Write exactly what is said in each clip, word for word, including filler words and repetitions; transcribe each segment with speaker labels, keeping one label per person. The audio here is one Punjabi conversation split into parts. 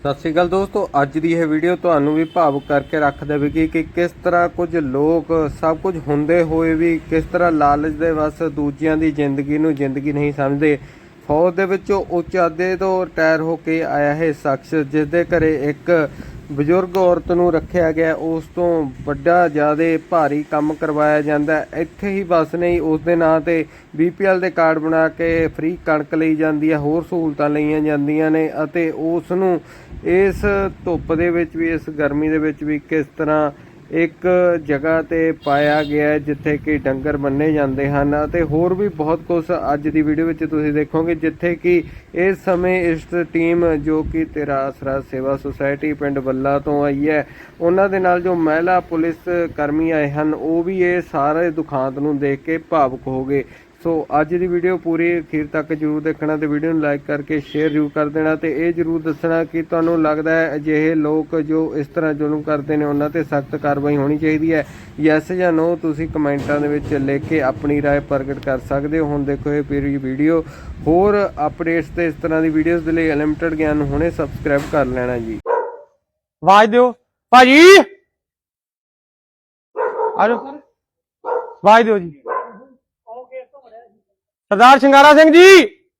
Speaker 1: सत श्री अकाल दोस्तों, अज की यह वीडियो तुहानू भी भावुक करके रख देगी कि किस तरह कुछ लोग सब कुछ होंदे होए भी किस तरह लालच दे वस दूजियां दी जिंदगी नू जिंदगी नहीं समझते। फौज दे विचों उच्च अहदे तो रिटायर होके आया है शख्स जिस दे घरे एक बजुर्ग औरत नू रखिया गया, उस तो वड्डा ज़्यादा भारी काम करवाया जाता है। इत्थे ही बस नहीं, उस दे नां ते बी पी एल दे कार्ड बना के फ्री कणक लई जाती है, होर सहूलतां लईयां जांदियां ने अते उस नू इस धुप्प दे विच भी इस गर्मी दे विच भी किस तरह एक जगह ते पाया गया है जिथे कि डंगर बन्ने जाते हैं ते होर भी बहुत कुछ अज की वीडियो में तुसीं देखोगे, जिथे कि इस समय इस टीम जो कि तेरा आसरा सेवा सुसाइटी पिंड बल्ला तो आई है, उन्हां दे नाल जो महिला पुलिस कर्मी आए हैं वो भी ये सारे दुखांत नूं देख के भावुक हो गए। सो अज की वीडियो पूरी अखीर तक जरूर देखना ते वीडियो नूं लाइक करके शेयर जरूर कर देना ते ये जरूर दसना कि तुहानूं लगदा है अजिहे लोग जो इस तरह जुल्म करते हैं उन्हां ते सख्त कार्रवाई होनी चाहिए है। यस या नो तुसीं कमेंटां दे विच लिख के अपनी राय प्रगट कर सकते हो। हुण देखो ये पूरी वीडियो, होर अपडेट्स ते इस तरह की वीडियोज़ दे लई अनलिमिटेड ज्ञान हुणे सबसक्राइब कर लेना जी।
Speaker 2: आवाज दिओ भाजी, आ जाओ आवाज दिओ जी। सरदार शिंगारा सिंह जी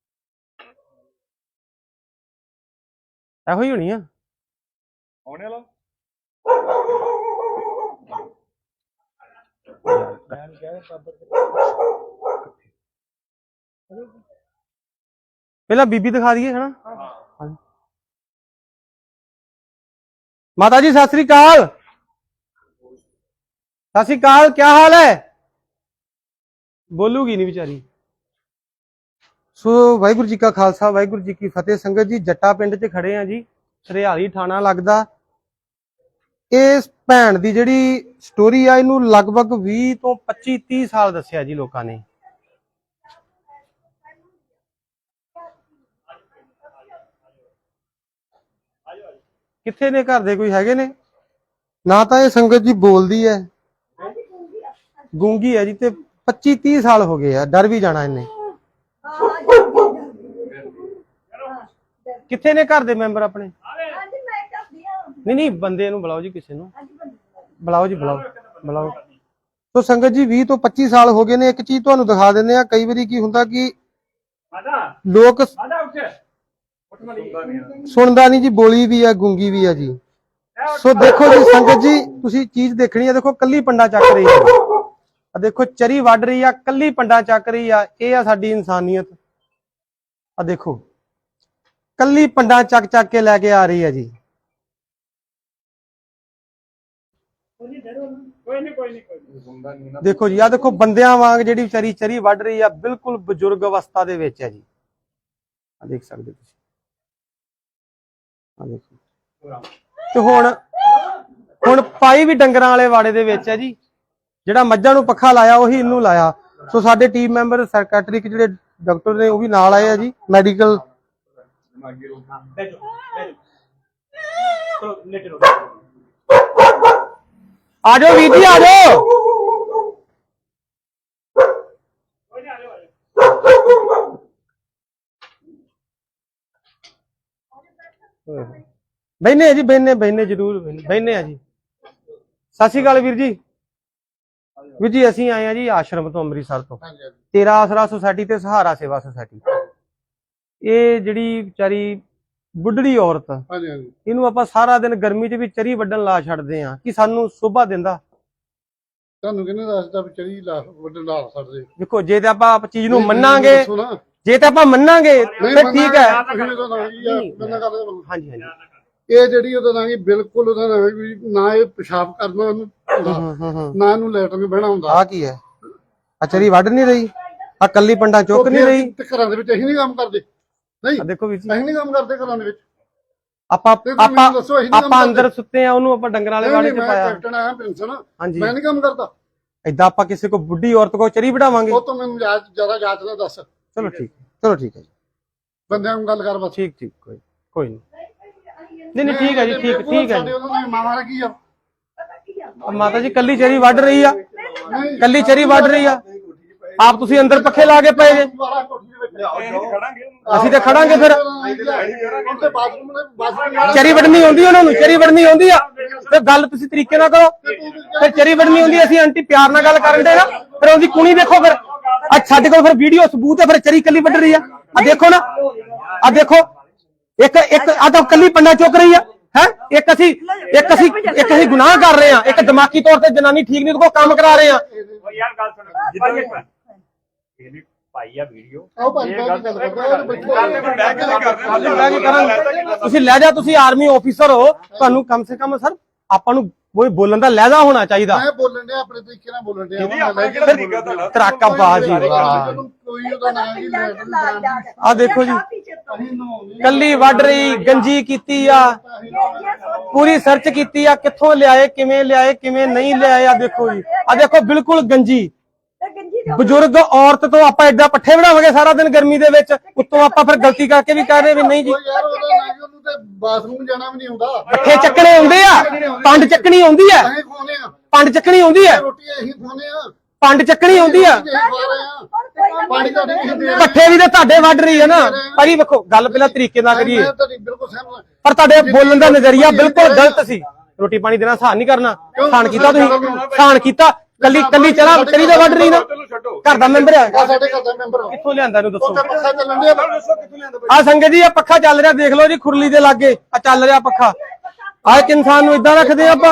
Speaker 2: ਇਹੋ ਹੀ ਹੋਣੀ ਆ ਆਉਣੇ ਵਾਲਾ। ਪਹਿਲਾਂ ਬੀਬੀ ਦਿਖਾ ਦਈਏ ਹੈ ਨਾ। माता जी सत श्री अकाल। सत श्री अकाल, क्या हाल है? बोलूगी नहीं बेचारी। सो वाहिगुरू जी का खालसा वाहिगुरू जी की फतेह। संगत जी जट्टा पिंड च खड़े हैं जी, सरियाली थाना लगदा। इस भैन दी जिहड़ी स्टोरी आ इनू लगभग बीस तो पच्चीस तीस साल दस्सिया जी लोकां ने। कित्थे ने घर दे कोई हैगे ने ना, तो ये संगत जी बोलदी है, गूंगी है जी, ते पच्चीस तीस साल हो गए डर भी जाना इन्हें। कित्थे ने घर दे मैंबर अपने? नहीं नहीं बंदे नूं बुलाओ जी, किसी नूं बुलाओ जी, बुलाओ बुलाओ। तो संगत जी बीस तो पच्चीस साल हो गए ने। एक चीज तुहानूं दिखा दिंदे आ, कई बारी की हुंदा कि लोग सुनदा नहीं जी, बोली भी है, गूंगी भी है जी। सो देखो जी संगत जी, तुसी चीज देखनी है, देखो कल्ली पंडा चक रही है, देखो चरी वढ़ रही है, कल्ली पंडा चक रही है, ये है साडी इंसानियत। आ देखो कल्ली पंडा चक चक के लैके आ रही है जी। देखो जी, आ देखो बंदियां वांग जिहड़ी विचारी चरी वढ़ रही है, बिल्कुल बजुर्ग अवस्था दे विच है जी। आ देख सकदे तुसीं, आ देखो। ते हुण हुण पाई भी डंगरां वाले वाड़े दे विच है जी, जिहड़ा मੱਝਾਂ ਨੂੰ पक्खा लाया ਉਹੀ ਇਹਨੂੰ लाया। सो साडे टीम मैंबर सैकटरी ਜਿਹੜੇ डॉक्टर ने वो भी नाल आए जी, मैडिकल। आ जाओ वीर जी, आ जाओ। बहने जी, बहने बहने जरूर बहने आ जी। सत श्री अकाल वीर जी। वीर जी असीं आए हैं जी आश्रम तो, अमृतसर तो, तेरा आसरा सोसाइटी ते सहारा सेवा सोसाइटी। ये जिहड़ी विचारी बुढ़ड़ी औरत, इनू आपां सारा दिन गर्मी च भी चरी वड्डण ला छड्डदे आ कि सानू शोभा दिंदा।
Speaker 3: ਤੁਹਾਨੂੰ ਕਿਹਨੇ ਦੱਸਦਾ ਵੀ ਚਰੀ ਲਾ ਵੱਢਣ ਲਾ ਸਕਦੇ?
Speaker 2: देखो जे ते आपां चीज नू मन्नांगे, जे ते आपां मन्नांगे फिर ठीक है। हां जी हां जी,
Speaker 3: ਇਹ ਜਿਹੜੀ ਉਹਦਾ ਨਾਂ ਬਿਲਕੁਲ ਉਹਦਾ ਨਾਂ ਵੀ ਨਾ ਇਹ ਪਿਸ਼ਾਬ ਕਰਨਾ ਉਹਨੂੰ, ਨਾ ਇਹਨੂੰ ਲੈਟਰ ਬਹਿਣਾ ਹੁੰਦਾ।
Speaker 2: ਆ ਕੀ ਹੈ? ਆ ਚਰੀ ਵੱਢ ਨਹੀਂ ਰਹੀ, ਆ ਕੱਲੀ ਪੰਡਾ ਚੁੱਕ ਨਹੀਂ ਰਹੀ।
Speaker 3: ਤੇ ਘਰਾਂ ਦੇ ਵਿੱਚ ਅਸੀਂ ਨਹੀਂ ਕੰਮ ਕਰਦੇ। ਨਹੀਂ
Speaker 2: ਦੇਖੋ ਵੀਰ ਜੀ,
Speaker 3: ਅਸੀਂ ਨਹੀਂ ਕੰਮ ਕਰਦੇ ਘਰਾਂ ਦੇ ਵਿੱਚ।
Speaker 2: ਆਪਾਂ ਆਪਾਂ ਆਪਾਂ ਅੰਦਰ ਸੁੱਤੇ ਆ, ਉਹਨੂੰ ਆਪਾਂ ਡੰਗਰਾਂ ਵਾਲੇ ਵਾੜੇ ਚ ਪਾਇਆ।
Speaker 3: ਕੈਪਟਨ ਆਇਆ ਪੈਨਸ਼ਨ,
Speaker 2: ਹਾਂਜੀ
Speaker 3: ਮੈਂ ਨਹੀਂ ਕੰਮ ਕਰਦਾ।
Speaker 2: ਏਦਾਂ ਆਪਾਂ ਕਿਸੇ ਕੋ ਬੁੱਢੀ ਔਰਤ ਕੋ ਚਰੀ ਵਢਾਵਾਂਗੇ?
Speaker 3: ਉਹ ਤੋਂ ਮੈਨੂੰ ਜ਼ਿਆਦਾ ਜਾਂਚ ਨਾ ਦੱਸ।
Speaker 2: ਚਲੋ ਠੀਕ, ਚਲੋ ਠੀਕ ਹੈ ਜੀ,
Speaker 3: ਬੰਦਿਆਂ ਨੂੰ ਗੱਲ ਕਰ ਬਸ।
Speaker 2: ਠੀਕ ਠੀਕ, ਕੋਈ ਕੋਈ ਨਹੀਂ नहीं नहीं ठीक है जी, ठीक ठीक है। माता जी कल्ली चरी वढ़ रही है, कल्ली चरी वढ़ रही है, आप तुसी अंदर पखे ला के पे जे। ਅਸੀਂ ਤੇ ਖੜਾਂਗੇ ਫਿਰ।
Speaker 3: ਉੱਥੇ ਬਾਥਰੂਮ ਨੇ ਬਾਥਰੂਮ
Speaker 2: ਚਰੀ ਵੜਨੀ ਆਉਂਦੀ ਉਹਨਾਂ ਨੂੰ, ਚਰੀ ਵੜਨੀ ਆਉਂਦੀ ਆ ਤੇ ਗੱਲ ਤੁਸੀਂ ਤਰੀਕੇ ਨਾਲ ਕਰੋ। ਫਿਰ ਚਰੀ ਵੜਨੀ ਆਉਂਦੀ, ਅਸੀਂ ਆਂਟੀ ਪਿਆਰ ਨਾਲ ਗੱਲ ਕਰਨ ਦੇ ਨਾ, ਫਿਰ ਉਹਦੀ ਕੁਣੀ ਦੇਖੋ। ਫਿਰ ਅੱਜ ਸਾਡੇ ਕੋਲ ਫਿਰ ਵੀਡੀਓ ਸਬੂਤ ਹੈ, ਫਿਰ ਚਰੀ ਕੱਲੀ ਵੱਢ ਰਹੀ ਆ। ਆ ਦੇਖੋ ਨਾ, ਆ ਦੇਖੋ, ਇੱਕ ਇੱਕ ਆ ਤਾਂ ਕੱਲੀ ਪੰਡਾ ਚੁੱਕ ਰਹੀ ਆ ਹੈ। ਇੱਕ ਅਸੀਂ ਇੱਕ ਅਸੀਂ ਇੱਕ ਅਸੀਂ ਗੁਨਾਹ ਕਰ ਰਹੇ ਆ, ਇੱਕ ਦਿਮਾਗੀ ਤੌਰ ਤੇ ਜਨਾਨੀ ਠੀਕ ਨਹੀਂ, ਉਹਦੇ ਕੋਲ ਕੰਮ ਕਰਾ ਰਹੇ ਆ।
Speaker 4: ਯਾਰ ਗੱਲ ਸੁਣ, ਜਿੱਦਾਂ ਇਹਨੇ ਪਾਈ ਆ ਵੀਡੀਓ,
Speaker 3: ਆਓ ਭਾਈ
Speaker 4: ਇਹ ਗੱਲ
Speaker 3: ਗੱਲ
Speaker 2: ਤੁਸੀਂ ਲਹਿਜਾ, ਤੁਸੀਂ ਆਰਮੀ ਆਫੀਸਰ ਹੋ, ਤੁਹਾਨੂੰ ਕਮ ਸੇ ਕਮ ਸਰ ਆਪਾਂ ਨੂੰ ਕੋਈ ਬੋਲਣ ਦਾ ਲਹਿਜਾ ਹੋਣਾ ਚਾਹੀਦਾ।
Speaker 3: ਮੈਂ ਬੋਲਣ ਡਿਆ ਆਪਣੇ ਤਰੀਕੇ ਨਾਲ ਬੋਲਣ ਡਿਆ।
Speaker 2: ਤਰਾਕਾ ਬਾਜੀ ਵਾਹ।
Speaker 3: ਕੋਈ ਉਹਦਾ ਨਾਂ ਨਹੀਂ।
Speaker 2: ਆ ਦੇਖੋ ਜੀ, ਕੱਲੀ ਵੱਢ ਰਹੀ, ਗੰਜੀ ਕੀਤੀ ਆ, ਪੂਰੀ ਸਰਚ ਕੀਤੀ ਆ, ਕਿੱਥੋਂ ਲਿਆਏ, ਕਿਵੇਂ ਲਿਆਏ, ਕਿਵੇਂ ਨਹੀਂ ਲਿਆਏ। ਆ ਦੇਖੋ ਜੀ, ਆ ਦੇਖੋ ਬਿਲਕੁਲ ਗੰਜੀ। ਬਜ਼ੁਰਗ ਔਰਤ ਤੋਂ ਆਪਾਂ ਏਦਾਂ ਪੱਠੇ ਬਣਾਵਾਂਗੇ ਸਾਰਾ ਦਿਨ ਗਰਮੀ ਦੇ ਵਿੱਚ, ਉੱਤੋਂ ਆਪਾਂ ਫਿਰ ਗਲਤੀ ਕਰਕੇ ਵੀ ਕਹਿ ਰਹੇ ਵੀ ਨਹੀਂ ਜੀ।
Speaker 3: ਯਾਰ ਉਹਦਾ ਨਾਂ ਕਿ ਉਹਨੂੰ ਤੇ ਬਾਥਰੂਮ ਜਾਣਾ ਵੀ ਨਹੀਂ ਆਉਂਦਾ।
Speaker 2: ਪੱਠੇ ਚੱਕਣੇ ਆਉਂਦੇ ਆ, ਪੰਡ ਚੱਕਣੀ ਆਉਂਦੀ ਆ,
Speaker 3: ਅਸੀਂ ਖਵਾਉਂਦੇ ਆ
Speaker 2: ਪੰਡ ਚੱਕਣੀ ਆਉਂਦੀ ਆ,
Speaker 3: ਰੋਟੀ, ਅਸੀਂ ਖਵਾਉਂਦੇ ਆ,
Speaker 2: ਪੰਡ ਚੱਕਣੀ ਆਉਂਦੀ ਆ।
Speaker 3: ਅਸੀਂ ਖਵਾ ਰਹੇ ਆ। ਪਾਣੀ ਤੁਹਾਡੇ ਨਹੀਂ ਦੇ ਰਹੇ।
Speaker 2: ਪੱਠੇ ਵੀ ਤਾਂ ਤੁਹਾਡੇ ਵੱਢ ਰਹੀ ਹੈ ਨਾ ਭਾਜੀ। ਵੇਖੋ ਗੱਲ ਪਹਿਲਾਂ ਤਰੀਕੇ ਨਾਲ ਕਰੀਏ,
Speaker 3: ਮੈਂ ਤੁਹਾਡੀ ਬਿਲਕੁਲ ਸਹਿਮਤ।
Speaker 2: ਪਰ ਤੁਹਾਡੇ ਬੋਲਣ ਦਾ ਨਜ਼ਰੀਆ ਬਿਲਕੁਲ ਗਲਤ ਸੀ। ਰੋਟੀ ਪਾਣੀ ਦੇਣਾ ਸਹਾਨ ਨਹੀਂ ਕਰਨਾ, ਸਹਾਨ ਕੀਤਾ ਤੁਸੀਂ, ਸਹਾਨ ਕੀਤਾ। ਕੱਲੀ ਕੱਲੀ ਚਲਾ ਚਲੀ ਦਾ ਵੱਢ ਰਹੀ ਨਾ, ਘਰ ਦਾ ਮੈਂਬਰ ਆ।
Speaker 3: ਆ ਸਾਡੇ ਘਰ ਦਾ ਮੈਂਬਰ ਆ।
Speaker 2: ਕਿੱਥੋਂ ਲਿਆਂਦਾ ਇਹਨੂੰ ਦੱਸੋ।
Speaker 3: ਪੱਖਾ ਚੱਲਣ ਡਿਆ, ਦੱਸੋ ਕਿੱਥੋਂ ਲਿਆਂਦਾ
Speaker 2: ਆ ਸੰਗਤ ਜੀ, ਆ ਪੱਖਾ ਚੱਲ ਰਿਹਾ, ਦੇਖ ਲਓ ਜੀ ਖੁਰਲੀ ਦੇ ਲਾਗੇ ਆ ਚੱਲ ਰਿਹਾ ਪੱਖਾ। ਆ ਇੱਕ ਇਨਸਾਨ ਨੂੰ ਇਦਾਂ ਰੱਖਦੇ ਆਪਾਂ।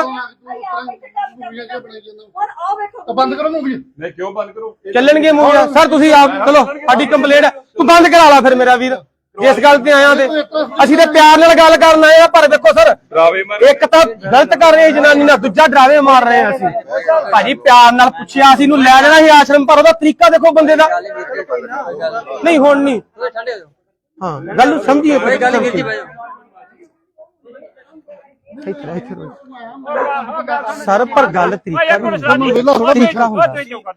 Speaker 3: ਬੰਦ ਕਰੋ ਮੂਵੀ।
Speaker 4: ਨਹੀਂ ਕਿਉਂ ਬੰਦ ਕਰੋ?
Speaker 2: ਚੱਲਣਗੇ ਮੂਵੀਆਂ ਸਰ। ਤੁਸੀਂ ਆਪ ਚਲੋ, ਸਾਡੀ ਕੰਪਲੇਂਟ ਹੈ, ਤੂੰ ਬੰਦ ਕਰਾ ਲਾ ਫਿਰ ਮੇਰਾ ਵੀਰ। ਜਿਸ ਗੱਲ ਤੇ ਆਇਆ ਤੇ ਅਸੀਂ ਤੇ ਪਿਆਰ ਨਾਲ ਗੱਲ ਕਰਨ ਆਏ ਆ, ਪਰ ਦੇਖੋ ਸਰ,
Speaker 4: ਡਰਾਵੇ ਮਾਰ
Speaker 2: ਇੱਕ ਤਾਂ ਗਲਤ ਕਰ ਰਹੇ ਜਨਾਨੀ ਨਾਲ, ਦੂਜਾ ਡਰਾਵੇ ਮਾਰ ਰਹੇ ਆ ਅਸੀਂ। ਭਾਜੀ ਪਿਆਰ ਨਾਲ ਪੁੱਛਿਆ ਸੀ, ਨੂੰ ਲੈ ਲੈਣਾ ਸੀ ਆਸ਼ਰਮ, ਪਰ ਉਹਦਾ ਤਰੀਕਾ ਦੇਖੋ ਬੰਦੇ ਦਾ। ਨਹੀਂ ਹੁਣ ਨਹੀਂ, ਹਾਂ ਗੱਲ ਨੂੰ ਸਮਝੀਏ। ਸਰ ਪਰ ਗੱਲ ਤਰੀਕਾ ਵੀ ਤਰੀਕਾ ਹੁੰਦਾ।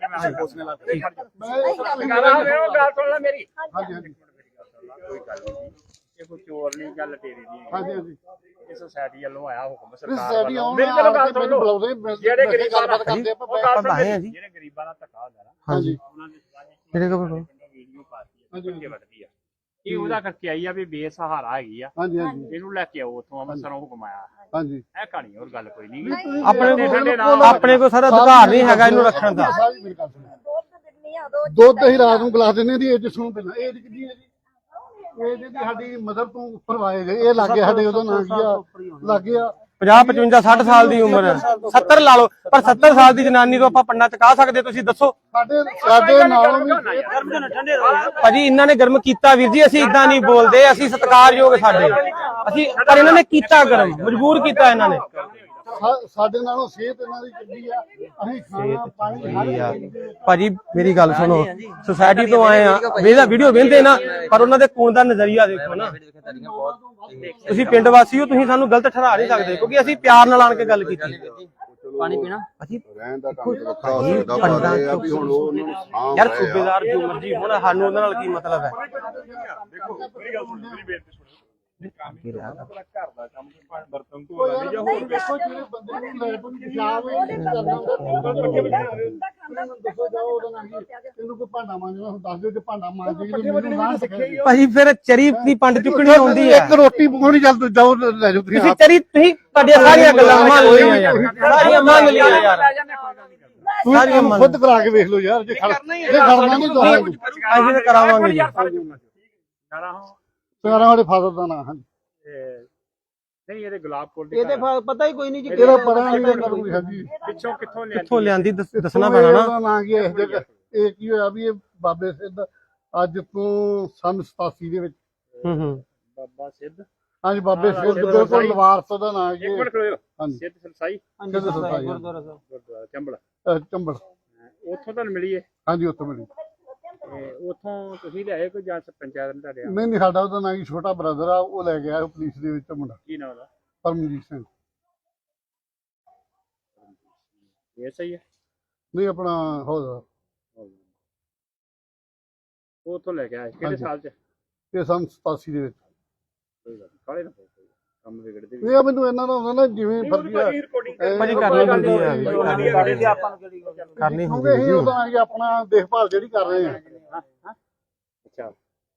Speaker 4: ਮੇਰੀ
Speaker 3: ਹਾਂਜੀ ਹਾਂਜੀ
Speaker 4: ਕੋਈ ਗੱਲ ਨਹੀਂ, ਇਹ ਕੋਈ ਚੋਰ ਨਹੀਂ, ਗੱਲ ਤੇਰੀ ਨਹੀਂ।
Speaker 3: ਹਾਂਜੀ ਹਾਂਜੀ
Speaker 4: ਇਹ ਸੋਸਾਇਟੀ ਵੱਲੋਂ ਆਇਆ ਹੁਕਮ
Speaker 3: ਸਾਡੀ
Speaker 4: ਸਰਕਾਰ
Speaker 3: ਆਉਣ
Speaker 4: ਮੇਰੀ ਗੱਲ ਗੱਲ ਸੁਣ ਲਓ।
Speaker 3: ਬੁਲਾਉਂਦੇ
Speaker 4: ਜਿਹੜੇ ਗਰੀਬਾਂ
Speaker 3: ਗੱਲਬਾਤ ਕਰਦੇ ਆਪਾਂ।
Speaker 4: ਉਹ ਗੱਲ
Speaker 2: ਆਪਾਂ ਆਏ ਆ
Speaker 4: ਸੁਣ,
Speaker 2: ਜੀ।
Speaker 4: ਜਿਹੜੇ ਗਰੀਬਾਂ ਦਾ ਧੱਕਾ ਹੁੰਦਾ ਨਾ,
Speaker 3: ਹਾਂਜੀ
Speaker 4: ਉਹਨਾਂ ਦੇ ਸਵਾਲ
Speaker 2: ਜਿਹੜੇ ਕੋਲ
Speaker 4: ਵੀਡੀਓ ਪਾਤੀ ਆ, ਕਿੱਥੇ ਵੱਧਦੀ ਆ, ਇਹ ਉਹਦਾ ਕਰਕੇ ਆਈ ਆ ਵੀ ਬੇਸਹਾਰਾ ਹੈਗੀ ਆ,
Speaker 3: ਹਾਂਜੀ ਹਾਂਜੀ
Speaker 4: ਇਹਨੂੰ ਲੈ ਕੇ ਆਓ ਉੱਥੋਂ ਅੰਮ੍ਰਿਤਸਰੋਂ ਹੁਕਮ ਆਇਆ।
Speaker 3: ਹਾਂਜੀ
Speaker 4: ਇਹ ਕਹਾਣੀ ਹੋਰ ਗੱਲ ਕੋਈ ਨਹੀਂ।
Speaker 2: ਆਪਣੇ ਕੋਲ ਆਪਣੇ ਕੋਲ ਸਾਰਾ ਅਧਿਕਾਰ ਨਹੀਂ ਹੈਗਾ ਇਹਨੂੰ ਰੱਖਣ ਦਾ।
Speaker 3: ਸਾਰੀ ਮੇਰੀ ਗੱਲ ਸੁਣੋ। ਦੁੱਧ ਅਸੀਂ ਰਾਤ ਨੂੰ ਗਲਾ ਦਿੰਦੇ ਦੀ ਏਜ ਸੁਣੋ ਪਹਿਲਾਂ। ਏਜ ਕਿੰਨੀ ਹੈ ਜੀ? ਏਜ ਦੀ ਸਾਡੀ ਮਦਰ ਤੋਂ ਉੱਪਰ ਆਏ ਜੇ। ਇਹ ਲੱਗੇ ਸਾਡੇ ਉਦੋਂ ਨਾਂ ਕੀ ਆ, ਲੱਗੇ ਆ
Speaker 2: ਪੰਜਾਹ ਪਚਵੰਜਾ ਸੱਠ ਸਾਲ ਦੀ ਉਮਰ ਹੈ, ਸੱਤਰ ਲਾ ਲਓ, ਪਰ ਸੱਤਰ ਸਾਲ ਦੀ ਜਨਾਨੀ ਤੋਂ ਆਪਾਂ ਪੰਡਾ ਚਕਾ ਸਕਦੇ? ਤੁਸੀਂ ਦੱਸੋ
Speaker 3: ਸਾਡੇ ਸਾਡੇ ਨਾਲੋਂ ਵੀ
Speaker 2: ਭਾਜੀ। ਇਹਨਾਂ ਨੇ ਗਰਮ ਕੀਤਾ ਵੀਰ ਜੀ, ਅਸੀਂ ਇਦਾਂ ਨਹੀਂ ਬੋਲਦੇ, ਅਸੀਂ ਸਤਿਕਾਰਯੋਗ ਸਾਡੇ, ਅਸੀਂ ਪਰ ਇਹਨਾਂ ਨੇ ਕੀਤਾ ਗਰਮ, ਮਜਬੂਰ ਕੀਤਾ ਇਹਨਾਂ ਨੇ।
Speaker 3: ਸਾ- ਸਾਡੇ ਨਾਲੋਂ ਸਿਹਤ ਇਹਨਾਂ ਦੀ ਚੰਗੀ ਆ। ਅਸੀਂ ਖਾਣਾ ਪਾਣੀ ਹਰ ਚੀਜ਼ ਦੇ-
Speaker 2: ਭਾਜੀ ਮੇਰੀ ਗੱਲ ਸੁਣੋ, ਸੁਸਾਇਟੀ ਤੋਂ ਆਏ ਆ, ਵੇਦਾ ਵੀਡੀਓ ਵੇਂਦੇ ਨਾ, ਪਰ ਉਹਨਾਂ ਦੇ ਕੋਣ ਦਾ ਨਜ਼ਰੀਆ ਦੇਖੋ ਨਾ। ਤੁਸੀਂ ਪਿੰਡ ਵਾਸੀ ਹੋ, ਤੁਸੀਂ ਸਾਨੂੰ ਗਲਤ ਠਹਿਰਾ ਨਹੀਂ ਸਕਦੇ, ਕਿਉਂਕਿ ਅਸੀਂ ਪਿਆਰ ਨਾਲ ਆਣ ਕੇ ਗੱਲ ਕੀਤੀ।
Speaker 5: ਪਾਣੀ ਪੀਣਾ
Speaker 2: ਅਸੀਂ
Speaker 6: ਰਹਿਣ ਦਾ ਢੰਗ ਵੱਖਰਾ ਹੋ ਸਕਦਾ, ਪਰ ਇਹ ਆ ਵੀ ਹੁਣ ਉਹ ਉਹਨਾਂ ਨੂੰ ਸਾਂਭ
Speaker 2: ਯਾਰ
Speaker 6: ਰਹੇ ਆ।
Speaker 2: ਸੂਬੇਦਾਰ ਜੋ ਮਰਜੀ ਹੋਣਾ, ਸਾਨੂੰ ਉਹਨਾਂ ਨਾਲ ਕੀ ਮਤਲਬ ਹੈ?
Speaker 4: ਦੇਖੋ ਮੇਰੀ ਗੱਲ ਸੁਣੋ, ਮੇਰੀ ਬੇਨਤੀ ਸੁਣੋ। ਆਪਣਾ ਘਰ ਦਾ ਕੰਮ ਬਰਤਨ ਧੋ ਲੈਂਦੇ ਜਾਂ ਹੋਰ
Speaker 3: ਦੇਖੋ ਜਿਹੜੇ ਬੰਦੇ ਨੂੰ ਲੈਟ ਨੂੰ ਪਿਸ਼ਾਬ ਕਰਨਾ ਹੁੰਦਾ, ਦੱਸੋ ਜਾਓ ਉਹਦਾ ਨਾਂ ਕੀ, ਇਹਨੂੰ ਕੋਈ ਭਾਂਡਾ ਮਾਂਜਣਾ ਦੱਸ ਦਿਓ ਕਿ ਭਾਂਡਾ ਮਾਂਜ ਕੇ ਮੈਨੂੰ ਨਾ ਸਿੱਖਿਆ।
Speaker 2: ਭਾਜੀ ਫਿਰ ਚਰੀ ਦੀ ਪੰਡ ਚੁੱਕਣੀ ਹੁੰਦੀ ਹੈ।
Speaker 3: ਇੱਕ ਰੋਟੀ ਪਕਾਉਣੀ ਚੱਲ ਤੂੰ ਜਾਓ ਲੈ ਜਾਓ ਤੁਸੀਂ
Speaker 2: ਤੁਸੀਂ ਚਰੀ ਤੁਸੀਂ ਤੁਹਾਡੀਆਂ ਸਾਰੀਆਂ ਗੱਲਾਂ ਮੰਨ ਲਈਆਂ ਯਾਰ, ਸਾਰੀਆਂ ਮੰਨ ਲਈਆਂ ਯਾਰ, ਸਾਰੀਆਂ ਮੰਨ
Speaker 3: ਖੁਦ ਕਰਾ ਕੇ ਵੇਖ ਲਓ ਯਾਰ। ਜੇ ਖੜ ਜੇ ਖੜਨਾ ਨਹੀਂ ਤੁਹਾਨੂੰ
Speaker 2: ਅਸੀਂ ਤਾਂ ਕਰਾਵਾਂਗੇ ਜੀ।
Speaker 3: ਸਾਰਾ ਸਾਡੇ ਫਾਦਰ ਦਾ ਨਾਂ। ਹਾਂਜੀ
Speaker 4: ਨਹੀਂ ਇਹਦੇ ਗੁਲਾਬ ਕੋਲ ਦੀ
Speaker 2: ਇਹਦੇ ਪਤਾ ਹੀ ਕੋਈ ਨਹੀਂ ਜੀ
Speaker 3: ਇਹਦਾ ਪਤਾ ਨਹੀਂ ਕਰੂਗੀ। ਹਾਂਜੀ
Speaker 4: ਪਿੱਛੋਂ ਕਿੱਥੋਂ ਲਿਆ
Speaker 2: ਕਿੱਥੋਂ ਲਿਆਂਦੀ ਦੱਸ- ਦੱਸਣਾ ਪੈਣਾ ਨਾ।
Speaker 3: ਇਹਦਾ ਨਾਂ ਕੀ ਹੈ ਇਸ ਜਗ੍ਹਾ? ਇਹ ਕੀ ਹੋਇਆ ਵੀ ਇਹ ਬਾਬੇ ਸਿੱਧ ਅੱਜ ਤੋਂ ਸੰਨ ਸਤਾਸੀ ਦੇ ਵਿੱਚ,
Speaker 2: ਹੂੰ ਹੂੰ
Speaker 4: ਬਾਬਾ ਸਿੱਧ,
Speaker 3: ਹਾਂਜੀ ਬਾਬੇ ਸਿੱਧ ਬਿਲਕੁਲ ਲਵਾਰਸ ਦਾ ਨਾਂ ਜੀ।
Speaker 4: ਇੱਕ ਮਿੰਟ ਖੜੋ,
Speaker 3: ਹਾਂਜੀ
Speaker 4: ਸਿੱਧ ਸਰਸਾਈ
Speaker 3: ਸਿੱਧ ਸਤਾਈ
Speaker 4: ਗੁਰਦੁਆਰਾ ਚੰਬਲ,
Speaker 3: ਚੰਬਲ।
Speaker 4: ਉੱਥੋਂ ਤੁਹਾਨੂੰ ਮਿਲੀ ਹੈ?
Speaker 3: ਹਾਂਜੀ ਉੱਥੋਂ ਮਿਲੀ।
Speaker 4: ਤੇ ਉੱਥੋਂ ਤੁਸੀਂ ਲਿਆਏ ਕੋਈ ਜਾਂ ਪੰਚਾਇਤ ਨੇ ਤੁਹਾਡੇ?
Speaker 3: ਨਹੀਂ ਨਹੀਂ ਸਾਡਾ ਉਹਦਾ ਨਾਂ ਕੀ ਛੋਟਾ ਬ੍ਰਦਰ ਆ, ਉਹ ਲੈ ਗਿਆ ਪੁਲਿਸ ਦੇ ਵਿੱਚ ਮੁੰਡਾ
Speaker 4: ਕੀ ਨਾਮ ਉਹਦਾ?
Speaker 3: ਪਰਮਜੀਤ ਸਿੰਘ।
Speaker 4: ਇਹ ਸਹੀ ਹੈ?
Speaker 3: ਨਹੀਂ ਆਪਣਾ ਹੋਦਾ
Speaker 4: ਉਹ ਉੱਥੋਂ ਲੈ ਕੇ ਆਏ ਕਿਹੜੇ
Speaker 3: ਹਾਂਜੀ।
Speaker 4: ਸਾਲ ਚ?
Speaker 3: ਇਹ ਸੰਨ ਸਤਾਸੀ ਦੇ ਵਿੱਚ।
Speaker 4: ਕੋਈ ਗੱਲ ਨੀ, ਕਾਹਲੇ ਨਾ ਪਓ, ਕੋਈ ਕੰਮ ਵਿਗੜਦੇ ਵੀ।
Speaker 3: ਇਹ ਮੈਨੂੰ ਇਹਨਾਂ ਦਾ ਹੁੰਦਾ ਨਾ ਜਿਵੇਂ ਫਰਜ਼ੀ ਆ
Speaker 2: ਭਾਜੀ ਕਰਨੀ ਹੁੰਦੀ ਹੈ, ਕਰਨੀ
Speaker 3: ਕਿਉਂਕਿ
Speaker 2: ਹੁੰਦੀ
Speaker 3: ਅਸੀਂ ਉਹਦਾ ਨਾਂ ਕੀ ਆਪਣਾ ਦੇਖਭਾਲ ਜਿਹੜੀ ਕਰ ਰਹੇ ਆ।
Speaker 4: ਅੱਛਾ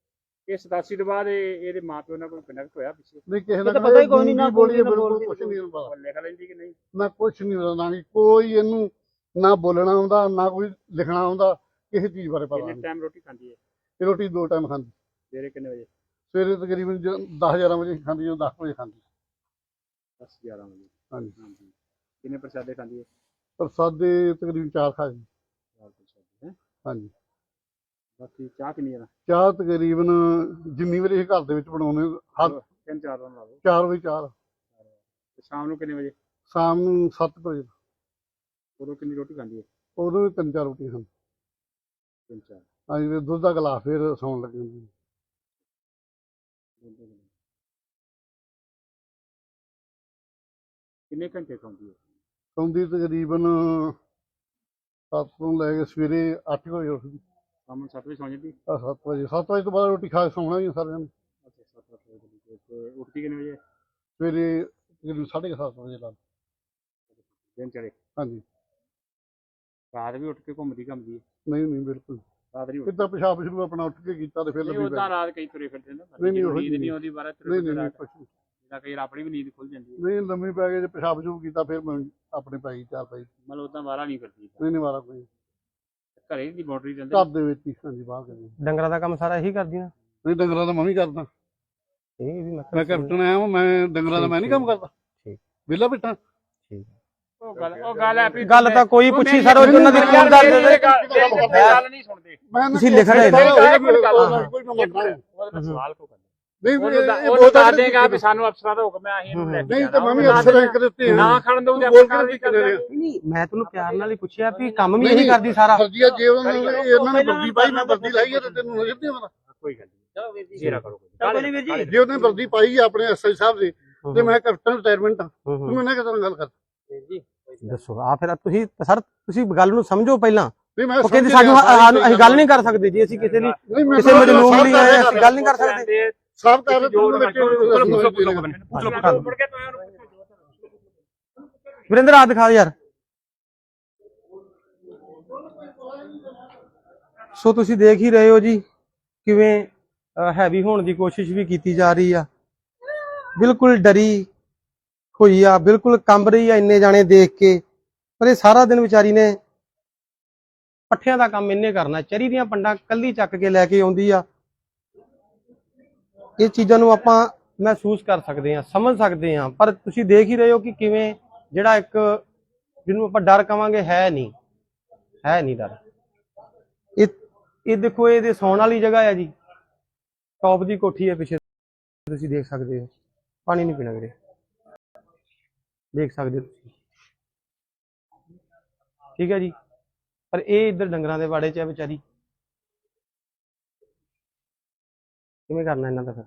Speaker 4: ਇਹ ਸਤਾਸੀ ਤੋਂ ਬਾਅਦ ਇਹ ਇਹਦੇ ਮਾਪਿਓ ਨਾਲ ਕੋਈ ਕਨੈਕਟ ਹੋਇਆ ਪਿੱਛੇ
Speaker 3: ਨਹੀਂ ਕਿਸੇ
Speaker 2: ਇਹ
Speaker 3: ਦਾ
Speaker 2: ਤਾਂ ਪਤਾ ਹੀ ਕੋਈ ਨਹੀਂ, ਨਾ
Speaker 3: ਬੋਲੀ
Speaker 2: ਬੋਲਦੀ, ਨਾ
Speaker 3: ਬਿਲਕੁਲ
Speaker 2: ਬੋਲਦੀ,
Speaker 3: ਕੁਛ ਨਹੀਂ ਪਤਾ
Speaker 4: ਉਹ ਲਿਖ ਲੈਂਦੀ ਕਿ ਨਹੀਂ?
Speaker 3: ਨਾ ਕੁਛ ਨਹੀਂ ਪਤਾ, ਨਾ ਕੋਈ ਇਹਨੂੰ ਨਾ ਬੋਲਣਾ ਆਉਂਦਾ ਨਾ ਕੋਈ ਲਿਖਣਾ ਆਉਂਦਾ, ਕਿਸੇ ਚੀਜ਼ ਬਾਰੇ ਪਤਾ
Speaker 4: ਕਿੰਨੇ
Speaker 3: ਨਹੀਂ।
Speaker 4: ਟਾਈਮ ਰੋਟੀ ਖਾਂਦੀ ਹੈ?
Speaker 3: ਇਹ ਰੋਟੀ ਦੋ ਟਾਈਮ ਖਾਂਦੀ,
Speaker 4: ਸਵੇਰੇ ਕਿੰਨੇ ਵਜੇ?
Speaker 3: ਸਵੇਰੇ ਤਕਰੀਬਨ ਦਸ ਗਿਆਰਾਂ ਵਜੇ ਖਾਂਦੀ, ਜਦੋਂ ਦਸ ਵਜੇ ਖਾਂਦੀ।
Speaker 4: ਦਸ ਗਿਆਰਾਂ ਵਜੇ।
Speaker 3: ਹਾਂਜੀ
Speaker 4: ਹਾਂਜੀ। ਕਿੰਨੇ ਪ੍ਰਸ਼ਾਦੇ ਖਾਂਦੀ ਹੈ?
Speaker 3: ਪ੍ਰਸਾਦੇ ਤਕਰੀਬਨ ਚਾਰ ਖਾ ਜੀ।
Speaker 4: ਚਾਰ ਪ੍ਰਸ਼ਾਦੇ ਹੈ।
Speaker 3: ਹਾਂਜੀ
Speaker 4: ਬਾਕੀ ਚਾਹ ਕਿੰਨੀ ਹੈ?
Speaker 3: ਚਾਹ ਤਕਰੀਬਨ ਜਿੰਨੀ ਵਾਰੀ ਇਹ ਘਰ ਦੇ ਵਿੱਚ ਬਣਾਉਂਦੇ ਹਰ
Speaker 4: ਤਿੰਨ ਚਾਰ ਰਨ ਲਾ ਲਓ।
Speaker 3: ਚਾਰ ਵਜੇ ਚਾਹ,
Speaker 4: ਤੇ ਸ਼ਾਮ ਨੂੰ ਕਿੰਨੇ ਵਜੇ?
Speaker 3: ਸ਼ਾਮ ਨੂੰ ਸੱਤ ਕੁ ਵਜੇ,
Speaker 4: ਉਦੋਂ ਕਿੰਨੀ ਰੋਟੀ ਖਾਂਦੀ ਹੈ?
Speaker 3: ਉਦੋਂ ਵੀ ਤਿੰਨ ਚਾਰ ਰੋਟੀਆਂ ਖਾਂਦੀ।
Speaker 4: ਤਿੰਨ ਚਾਰ।
Speaker 3: ਹਾਂਜੀ ਫਿਰ ਦੁੱਧ ਦਾ ਗਲਾਸ ਫਿਰ ਸੌਣ ਲੱਗੇ ਹੁੰਦੇ।
Speaker 4: ਕਿੰਨੇ ਘੰਟੇ ਸੌਂਦੀ ਹੈ?
Speaker 3: ਸੌਂਦੀ ਤਕਰੀਬਨ ਸੱਤ ਤੋਂ ਲੈ ਕੇ ਸਵੇਰੇ ਅੱਠ ਵਜੇ ਉੱਠਦੀ।
Speaker 4: ਸ਼ਾਮ ਨੂੰ ਸੱਤ ਵਜੇ ਸੌਂ ਜਾਂਦੀ?
Speaker 3: ਆਹ ਸੱਤ ਵਜੇ ਸੱਤ ਵਜੇ ਤੋਂ ਬਾਅਦ ਰੋਟੀ ਖਾ ਕੇ ਸੌਣਾ ਹੀ ਆ ਸਾਰਿਆਂ ਨੇ।
Speaker 4: ਅੱਛਾ, ਸੱਤ ਅੱਠ ਵਜੇ। ਤੇ ਉੱਠਦੀ ਕਿੰਨੇ ਵਜੇ?
Speaker 3: ਸਵੇਰੇ ਤਕਰੀਬਨ ਸਾਢੇ ਕੁ ਸੱਤ ਵਜੇ ਲਾ ਲਓ।
Speaker 4: ਦਿਨ ਚੜੇ।
Speaker 3: ਹਾਂਜੀ
Speaker 4: ਰਾਤ ਵੀ ਉੱਠ ਕੇ ਘੁੰਮਦੀ ਘੁੰਮਦੀ ਹੈ?
Speaker 3: ਨਹੀਂ ਨਹੀਂ ਬਿਲਕੁਲ
Speaker 4: ਰਾਤ ਨਹੀਂ ਉੱਠਦੀ?
Speaker 3: ਕਿੱਦਾਂ ਪਿਸ਼ਾਬ ਸ਼ੁਰੂ ਆਪਣਾ ਉੱਠ ਕੇ ਕੀਤਾ ਤੇ ਫਿਰ
Speaker 4: ਨਹੀਂ
Speaker 3: ਲੱਭੀ
Speaker 4: ਉਦਾਂ ਰਾਤ ਕਈ ਤੁਰੇ ਫਿਰਦੇ ਨੇ।
Speaker 3: ਨਹੀਂ, ਨਹੀਂ, ਉਹੋ
Speaker 4: ਨੀਂਦ
Speaker 3: ਜਿਹੀ
Speaker 4: ਨਹੀਂ ਆਉਂਦੀ ਬਾਰਾਂ ਤੁਰੇ
Speaker 3: ਨਹੀਂ
Speaker 4: ਫਿਰਦੇ
Speaker 3: ਨਹੀਂ
Speaker 4: ਰਾਤ।
Speaker 3: ਕੁਛ ਨਹੀਂ
Speaker 4: ਜਿੱਦਾਂ ਕਈ ਆਪਣੀ ਵੀ ਨੀਂਦ ਖੁੱਲ ਜਾਂਦੀ ਹੈ।
Speaker 3: ਨਹੀਂ ਲੰਮੀ ਪੈ ਗਏ ਜੇ ਪਿਸ਼ਾਬ ਸ਼ੁਰੂ ਕੀਤਾ ਫਿਰ ਮੈਂ ਆਪਣੇ ਪੈ ਗਈ ਚਾਰ ਪਈ।
Speaker 4: ਮਤਲਬ ਉਦਾਂ ਬਾਹਰ ਨਹੀਂ ਕਰਦੀ?
Speaker 3: ਨਹੀਂ ਨਹੀਂ ਮਾਰਾ ਕੋਈ
Speaker 4: ਘਰੇ ਦੀ ਬਾਉਂਡਰੀ ਰਹਿੰਦੇ?
Speaker 3: ਘਰ ਦੇ ਵਿੱਚ ਹੀ। ਹਾਂਜੀ ਬਾਹਰ ਕਰੀ
Speaker 2: ਡੰਗਰਾਂ ਦਾ ਕੰਮ ਸਾਰਾ ਇਹੀ ਕਰਦੀਆਂ?
Speaker 3: ਨਹੀਂ ਡੰਗਰਾਂ ਦਾ ਮੈਂ ਵੀ ਕਰਦਾ।
Speaker 2: ਇਹ ਵੀ ਮੈਂ
Speaker 3: ਮੈਂ ਕੈਪਟਨ ਆਇਆ ਹਾਂ, ਮੈਂ ਡੰਗਰਾਂ ਦਾ ਮੈਂ ਨਹੀਂ ਕੰਮ ਕਰਦਾ।
Speaker 2: ਠੀਕ।
Speaker 3: ਵਿਹਲਾ ਬੈਠਾ।
Speaker 2: ਠੀਕ।
Speaker 4: ਉਹ ਗੱਲ ਉਹ ਗੱਲ ਹੈ ਵੀ
Speaker 2: ਗੱਲ ਤਾਂ ਕੋਈ ਪੁੱਛੀ ਸਰ, ਉਹ ਉਹਨਾਂ ਦੀ
Speaker 4: ਯਾਰ
Speaker 2: ਰਿਪੋਰਟ
Speaker 4: ਮੇਰੀ
Speaker 2: ਦਾ
Speaker 4: ਗੱਲ ਨਹੀਂ ਸੁਣਦੇ।
Speaker 3: ਮੈਂ
Speaker 2: ਤੁਸੀਂ ਲਿਖ ਰਹੇ ਹੋ।
Speaker 3: ਕੋਈ ਮੈਂ ਮੰਨਦਾ ਨਹੀਂ।
Speaker 4: ਉਹਦਾ ਸਵਾਲ ਕੋ ਕਰਦਾ?
Speaker 3: ਨਹੀਂ
Speaker 4: ਉਹਨੂੰ
Speaker 3: ਇਹ-
Speaker 4: ਤਾਂ-
Speaker 3: ਇਹ
Speaker 4: ਉਹਨੂੰ
Speaker 3: ਬਹੁਤ
Speaker 4: ਦੱਸ ਦੇਗਾ ਵੀ ਸਾਨੂੰ ਅਫਸਰਾਂ ਦਾ ਹੁਕਮ ਹੈ, ਅਸੀਂ ਇਹਨੂੰ ਲੈ ਕੇ
Speaker 3: ਨਹੀਂ
Speaker 4: ਜਾਣਾ।
Speaker 3: ਤਾਂ ਮੈਂ ਵੀ ਅਫਸਰ ਰੈਂਕ ਦਿੱਤੇ ਆ।
Speaker 4: ਨਾ ਖੜਨ ਦਊ ਤੇ
Speaker 3: ਬੋਲ
Speaker 4: ਆਪਾਂ
Speaker 3: ਕੇ
Speaker 4: ਕੀ ਕਰਦੇ?
Speaker 2: ਨਹੀਂ, ਮੈਂ ਤੁਹਾਨੂੰ ਪਿਆਰ ਨਾਲ ਹੀ ਪੁੱਛਿਆ ਵੀ ਕੰਮ ਵੀ ਇਹੀ ਕਰਦੀ ਸਾਰਾ।
Speaker 3: ਫਰਜ਼ੀਆ ਜੇ ਉਹਨਾਂ ਨੇ ਇਹਨਾਂ ਨੇ ਵਰਦੀ ਪਾਈ ਮੈਂ ਵਰਦੀ ਲਾਈ ਹੈ ਤੇ ਤੈਨੂੰ ਨਜ਼ਰ ਨਹੀਂ ਆਉਂਦਾ।
Speaker 4: ਕੋਈ ਗੱਲ ਨਹੀਂ। ਜੇਰਾ ਕਰੋ।
Speaker 3: ਜੇ ਉਹਨੇ ਵਰਦੀ ਪਾਈ ਹੈ ਆਪਣੇ ਐਸਆਈ ਸਾਹਿਬ ਦੀ ਤੇ ਮੈਂ ਕੈਪਟਨ ਰਿਟਾਇਰਮੈਂਟ ਹਾਂ, ਤੂੰ ਇਹਨਾਂ ਕਿਦਾਂ ਗੱਲ ਕਰ?
Speaker 2: ਦੱਸੋ ਆ ਫਿਰ ਤੁਸੀਂ ਸਰ, ਤੁਸੀਂ ਗੱਲ ਨੂੰ ਸਮਝੋ ਪਹਿਲਾਂ।
Speaker 3: ਨਹੀਂ ਮੈਂ
Speaker 2: ਉਹ ਕਹਿੰਦੇ ਸਾਨੂੰ ਸਾਨੂੰ ਅਸੀਂ ਗੱਲ ਨਹੀਂ ਕਰ ਸਕਦੇ ਜੀ, ਅਸੀਂ ਕਿਸੇ ਲਈ ਕਿਸੇ ਮਜਲੂਮ ਲਈ ਆਏ, ਅਸੀਂ ਗੱਲ ਨਹੀਂ ਕਰ ਸਕਦੇ।
Speaker 3: ਸਭ ਕਰ
Speaker 2: ਵਿਰਿੰਦਰ ਆ ਦਿਖਾ ਯਾਰ। ਸੋ ਤੁਸੀਂ ਦੇਖ ਹੀ ਰਹੇ ਹੋ ਜੀ ਕਿਵੇਂ ਹੈਵੀ ਹੋਣ ਦੀ ਕੋਸ਼ਿਸ਼ ਵੀ ਕੀਤੀ ਜਾ ਰਹੀ ਆ। ਬਿਲਕੁਲ ਡਰੀ ਹੋਈ ਆ, ਬਿਲਕੁਲ ਕੰਬ ਰਹੀ ਆ ਇੰਨੇ ਜਾਣੇ ਦੇਖ ਕੇ। ਪਰ ਇਹ ਸਾਰਾ ਦਿਨ ਵਿਚਾਰੀ ਨੇ ਪੱਠਿਆਂ ਦਾ ਕੰਮ ਇੰਨੇ ਕਰਨਾ, ਚਰੀ ਦੀਆਂ ਪੰਡਾਂ ਕੱਲੀ ਚੱਕ ਕੇ ਲੈ ਕੇ ਆਉਂਦੀ ਆ। ਇਹ ਚੀਜ਼ਾਂ ਨੂੰ ਆਪਾਂ ਮਹਿਸੂਸ ਕਰ ਸਕਦੇ ਹਾਂ, ਸਮਝ ਸਕਦੇ ਹਾਂ, ਪਰ ਤੁਸੀਂ ਦੇਖ ਹੀ ਰਹੇ ਹੋ ਕਿ ਕਿਵੇਂ ਜਿਹੜਾ ਇੱਕ ਜਿਹਨੂੰ ਆਪਾਂ ਡਰ ਕਵਾਂਗੇ ਹੈ ਨਹੀਂ, ਹੈ ਨਹੀਂ ਡਰ। ਇਹ ਇਹ ਦੇਖੋ, ਇਹਦੇ ਸੌਣ ਵਾਲੀ ਜਗ੍ਹਾ ਹੈ ਜੀ, ਟੌਪ ਦੀ ਕੋਠੀ ਹੈ ਪਿੱਛੇ, ਤੁਸੀਂ ਦੇਖ ਸਕਦੇ ਹੋ। ਪਾਣੀ ਨਹੀਂ ਪੀਣਾ ਵੀਰੇ, ਦੇਖ ਸਕਦੇ ਹੋ ਤੁਸੀਂ, ਠੀਕ ਹੈ ਜੀ। ਪਰ ਇਹ ਇੱਧਰ ਡੰਗਰਾਂ ਦੇ ਵਾੜੇ 'ਚ ਹੈ ਵਿਚਾਰੀ, ਕਿਵੇਂ ਕਰਨਾ ਇਹਨਾਂ ਦਾ ਫਿਰ?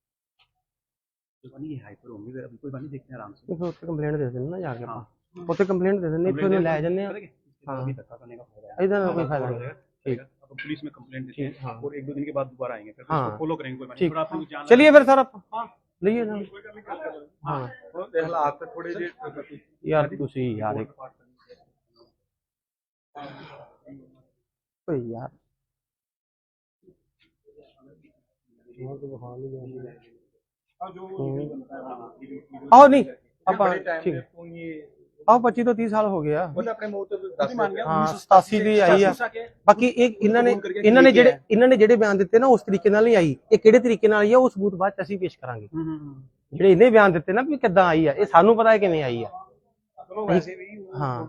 Speaker 2: ਉੱਥੇ ਕੰਪਲੇਂਟ ਦੇ ਦਿੰਦੇ ਨਾ ਜਾ ਕੇ ਆਪਾਂ, ਉੱਥੇ ਕੰਪਲੇंट दे देंगे, इतने ले जाने हैं। हाँ, इधर कोई फायदा नहीं। ठीक,
Speaker 4: पुलिस में कंप्लेंट देते हैं
Speaker 2: हाँ।
Speaker 4: और एक दो दिन के बाद दोबारा आएंगे, फिर
Speaker 2: हाँ।
Speaker 4: उसको फॉलो करेंगे। कोई बात नहीं,
Speaker 2: ठीक,
Speaker 4: फिर आपको जाना
Speaker 2: चलिए फिर सर आप ਲਈਏ ਨਾ। हाँ
Speaker 4: हालात थोड़े जे
Speaker 2: यार तुसी यार एक ओए यार आओ नहीं ਆਪਾਂ ਠੀਕ ਆਹ ਪੱਚੀ ਤੋਂ ਤੀਹ ਸਾਲ ਹੋ ਗਿਆ।
Speaker 4: अपने मुंह तो दस मान गया।
Speaker 2: ਹਾਂ ਸਤਾਸੀ ਦੀ ਆਈ ਆ। ਬਾਕੀ ਇਹ ਇਹਨਾਂ ਨੇ ਇਹਨਾਂ ਨੇ ਜਿਹੜੇ ਇਹਨਾਂ ਨੇ ਜਿਹੜੇ ਬਿਆਨ ਦਿੱਤੇ ਨਾ ਉਸ ਤਰੀਕੇ ਨਾਲ ਨਹੀਂ ਆਈ। ਇਹ ਕਿਹੜੇ ਤਰੀਕੇ ਨਾਲ ਆਈ ਆ ਉਹ ਸਬੂਤ ਬਾਅਦ ਚ ਅਸੀਂ ਪੇਸ਼ ਕਰਾਂਗੇ। ਜਿਹੜੇ ਇਹਨੇ ਬਿਆਨ ਦਿੱਤੇ ਨਾ ਵੀ ਕਿੱਦਾਂ ਆਈ ਆ, ਇਹ ਸਾਨੂੰ ਪਤਾ ਹੈ ਕਿਵੇਂ ਆਈ ਆ। ਹਾਂ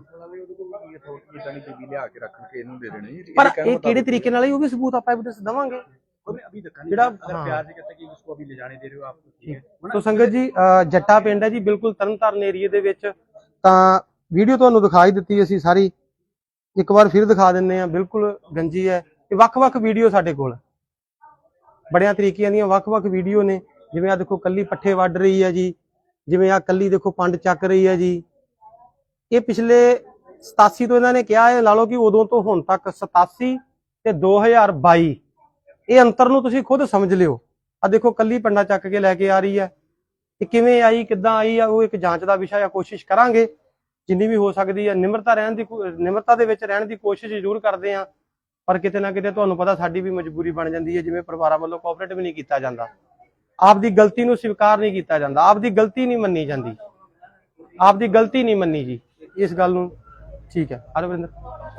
Speaker 2: ਪਰ ਇਹ ਕਿਹੜੇ ਤਰੀਕੇ ਨਾਲ ਆਈ ਉਹ ਵੀ ਸਬੂਤ ਆਪਾਂ ਐਵੀਡੈਂਸ ਦੇਵਾਂਗੇ। ਜਿਹੜਾ
Speaker 4: प्यार से कहते हैं कि उसको अभी ले जाने दे रहे हो आप।
Speaker 2: ਸੋ ਸੰਗਤ ਜੀ, ਜੱਟਾ ਪਿੰਡ ਹੈ ਜੀ, ਬਿਲਕੁਲ ਤਰਨਤਾਰਨ ਏਰੀਏ ਦੇ ਵਿੱਚ। ਤਾਂ ਵੀਡੀਓ ਤੁਹਾਨੂੰ ਦਿਖਾਈ ਦਿੱਤੀ ਅਸੀਂ ਸਾਰੀ, ਇੱਕ ਵਾਰ ਫਿਰ ਦਿਖਾ ਦਿੰਦੇ ਆ। ਬਿਲਕੁਲ ਗੰਜੀ ਹੈ। ਇਹ ਵੱਖ-ਵੱਖ ਵੀਡੀਓ ਸਾਡੇ ਕੋਲ ਬੜਿਆਂ ਤਰੀਕਿਆਂ ਦੀਆਂ ਵੱਖ-ਵੱਖ ਵੀਡੀਓ ਨੇ। ਜਿਵੇਂ ਆ ਦੇਖੋ ਕੱਲੀ ਪੱਠੇ ਵੱਢ ਰਹੀ ਹੈ ਜੀ, ਜਿਵੇਂ ਆ ਕੱਲੀ ਦੇਖੋ ਪੰਡ ਚੱਕ ਰਹੀ ਹੈ ਜੀ। ਇਹ ਪਿਛਲੇ ਸਤਾਸੀ ਤੋਂ ਇਹਨਾਂ ਨੇ ਕਿਹਾ ਹੈ, ਲਾ ਲਓ ਕਿ ਉਦੋਂ ਤੋਂ ਹੁਣ ਤੱਕ ਸਤਾਸੀ ਤੇ ਦੋ ਹਜ਼ਾਰ ਬਾਈ, ਇਹ ਅੰਤਰ ਨੂੰ ਤੁਸੀਂ ਖੁਦ ਸਮਝ ਲਿਓ। ਆ ਦੇਖੋ ਕੱਲੀ ਪੰਡਾ ਚੱਕ ਕੇ ਲੈ ਕੇ ਆ ਰਹੀ ਹੈ। ਇਹ ਕਿਵੇਂ ਆਈ, ਕਿੱਦਾਂ ਆਈ ਆ, ਉਹ ਇੱਕ ਜਾਂਚ ਦਾ ਵਿਸ਼ਾ ਆ। ਕੋਸ਼ਿਸ਼ ਕਰਾਂਗੇ ਜਿੰਨੀ ਵੀ ਹੋ ਸਕਦੀ ਹੈ, ਨਿਮਰਤਾ ਰਹਿਣ ਦੀ ਨਿਮਰਤਾ ਦੇ ਵਿੱਚ ਰਹਿਣ ਦੀ ਕੋਸ਼ਿਸ਼ ਜ਼ਰੂਰ ਕਰਦੇ ਆ। ਪਰ ਕਿਤੇ ਨਾ ਕਿਤੇ ਤੁਹਾਨੂੰ ਪਤਾ ਸਾਡੀ ਵੀ ਮਜਬੂਰੀ ਬਣ ਜਾਂਦੀ ਹੈ, ਜਿਵੇਂ ਪਰਿਵਾਰਾਂ ਵੱਲੋਂ ਕੋਆਪਰੇਟ ਵੀ ਨਹੀਂ ਕੀਤਾ ਜਾਂਦਾ, ਆਪਦੀ ਗਲਤੀ ਨੂੰ ਸਵੀਕਾਰ ਨਹੀਂ ਕੀਤਾ ਜਾਂਦਾ, ਆਪਦੀ ਗਲਤੀ ਨਹੀਂ ਮੰਨੀ ਜਾਂਦੀ, ਆਪਦੀ ਗਲਤੀ ਨਹੀਂ ਮੰਨੀ ਜੀ। ਇਸ ਗੱਲ ਨੂੰ ਠੀਕ ਹੈ ਅਰਵਿੰਦਰ।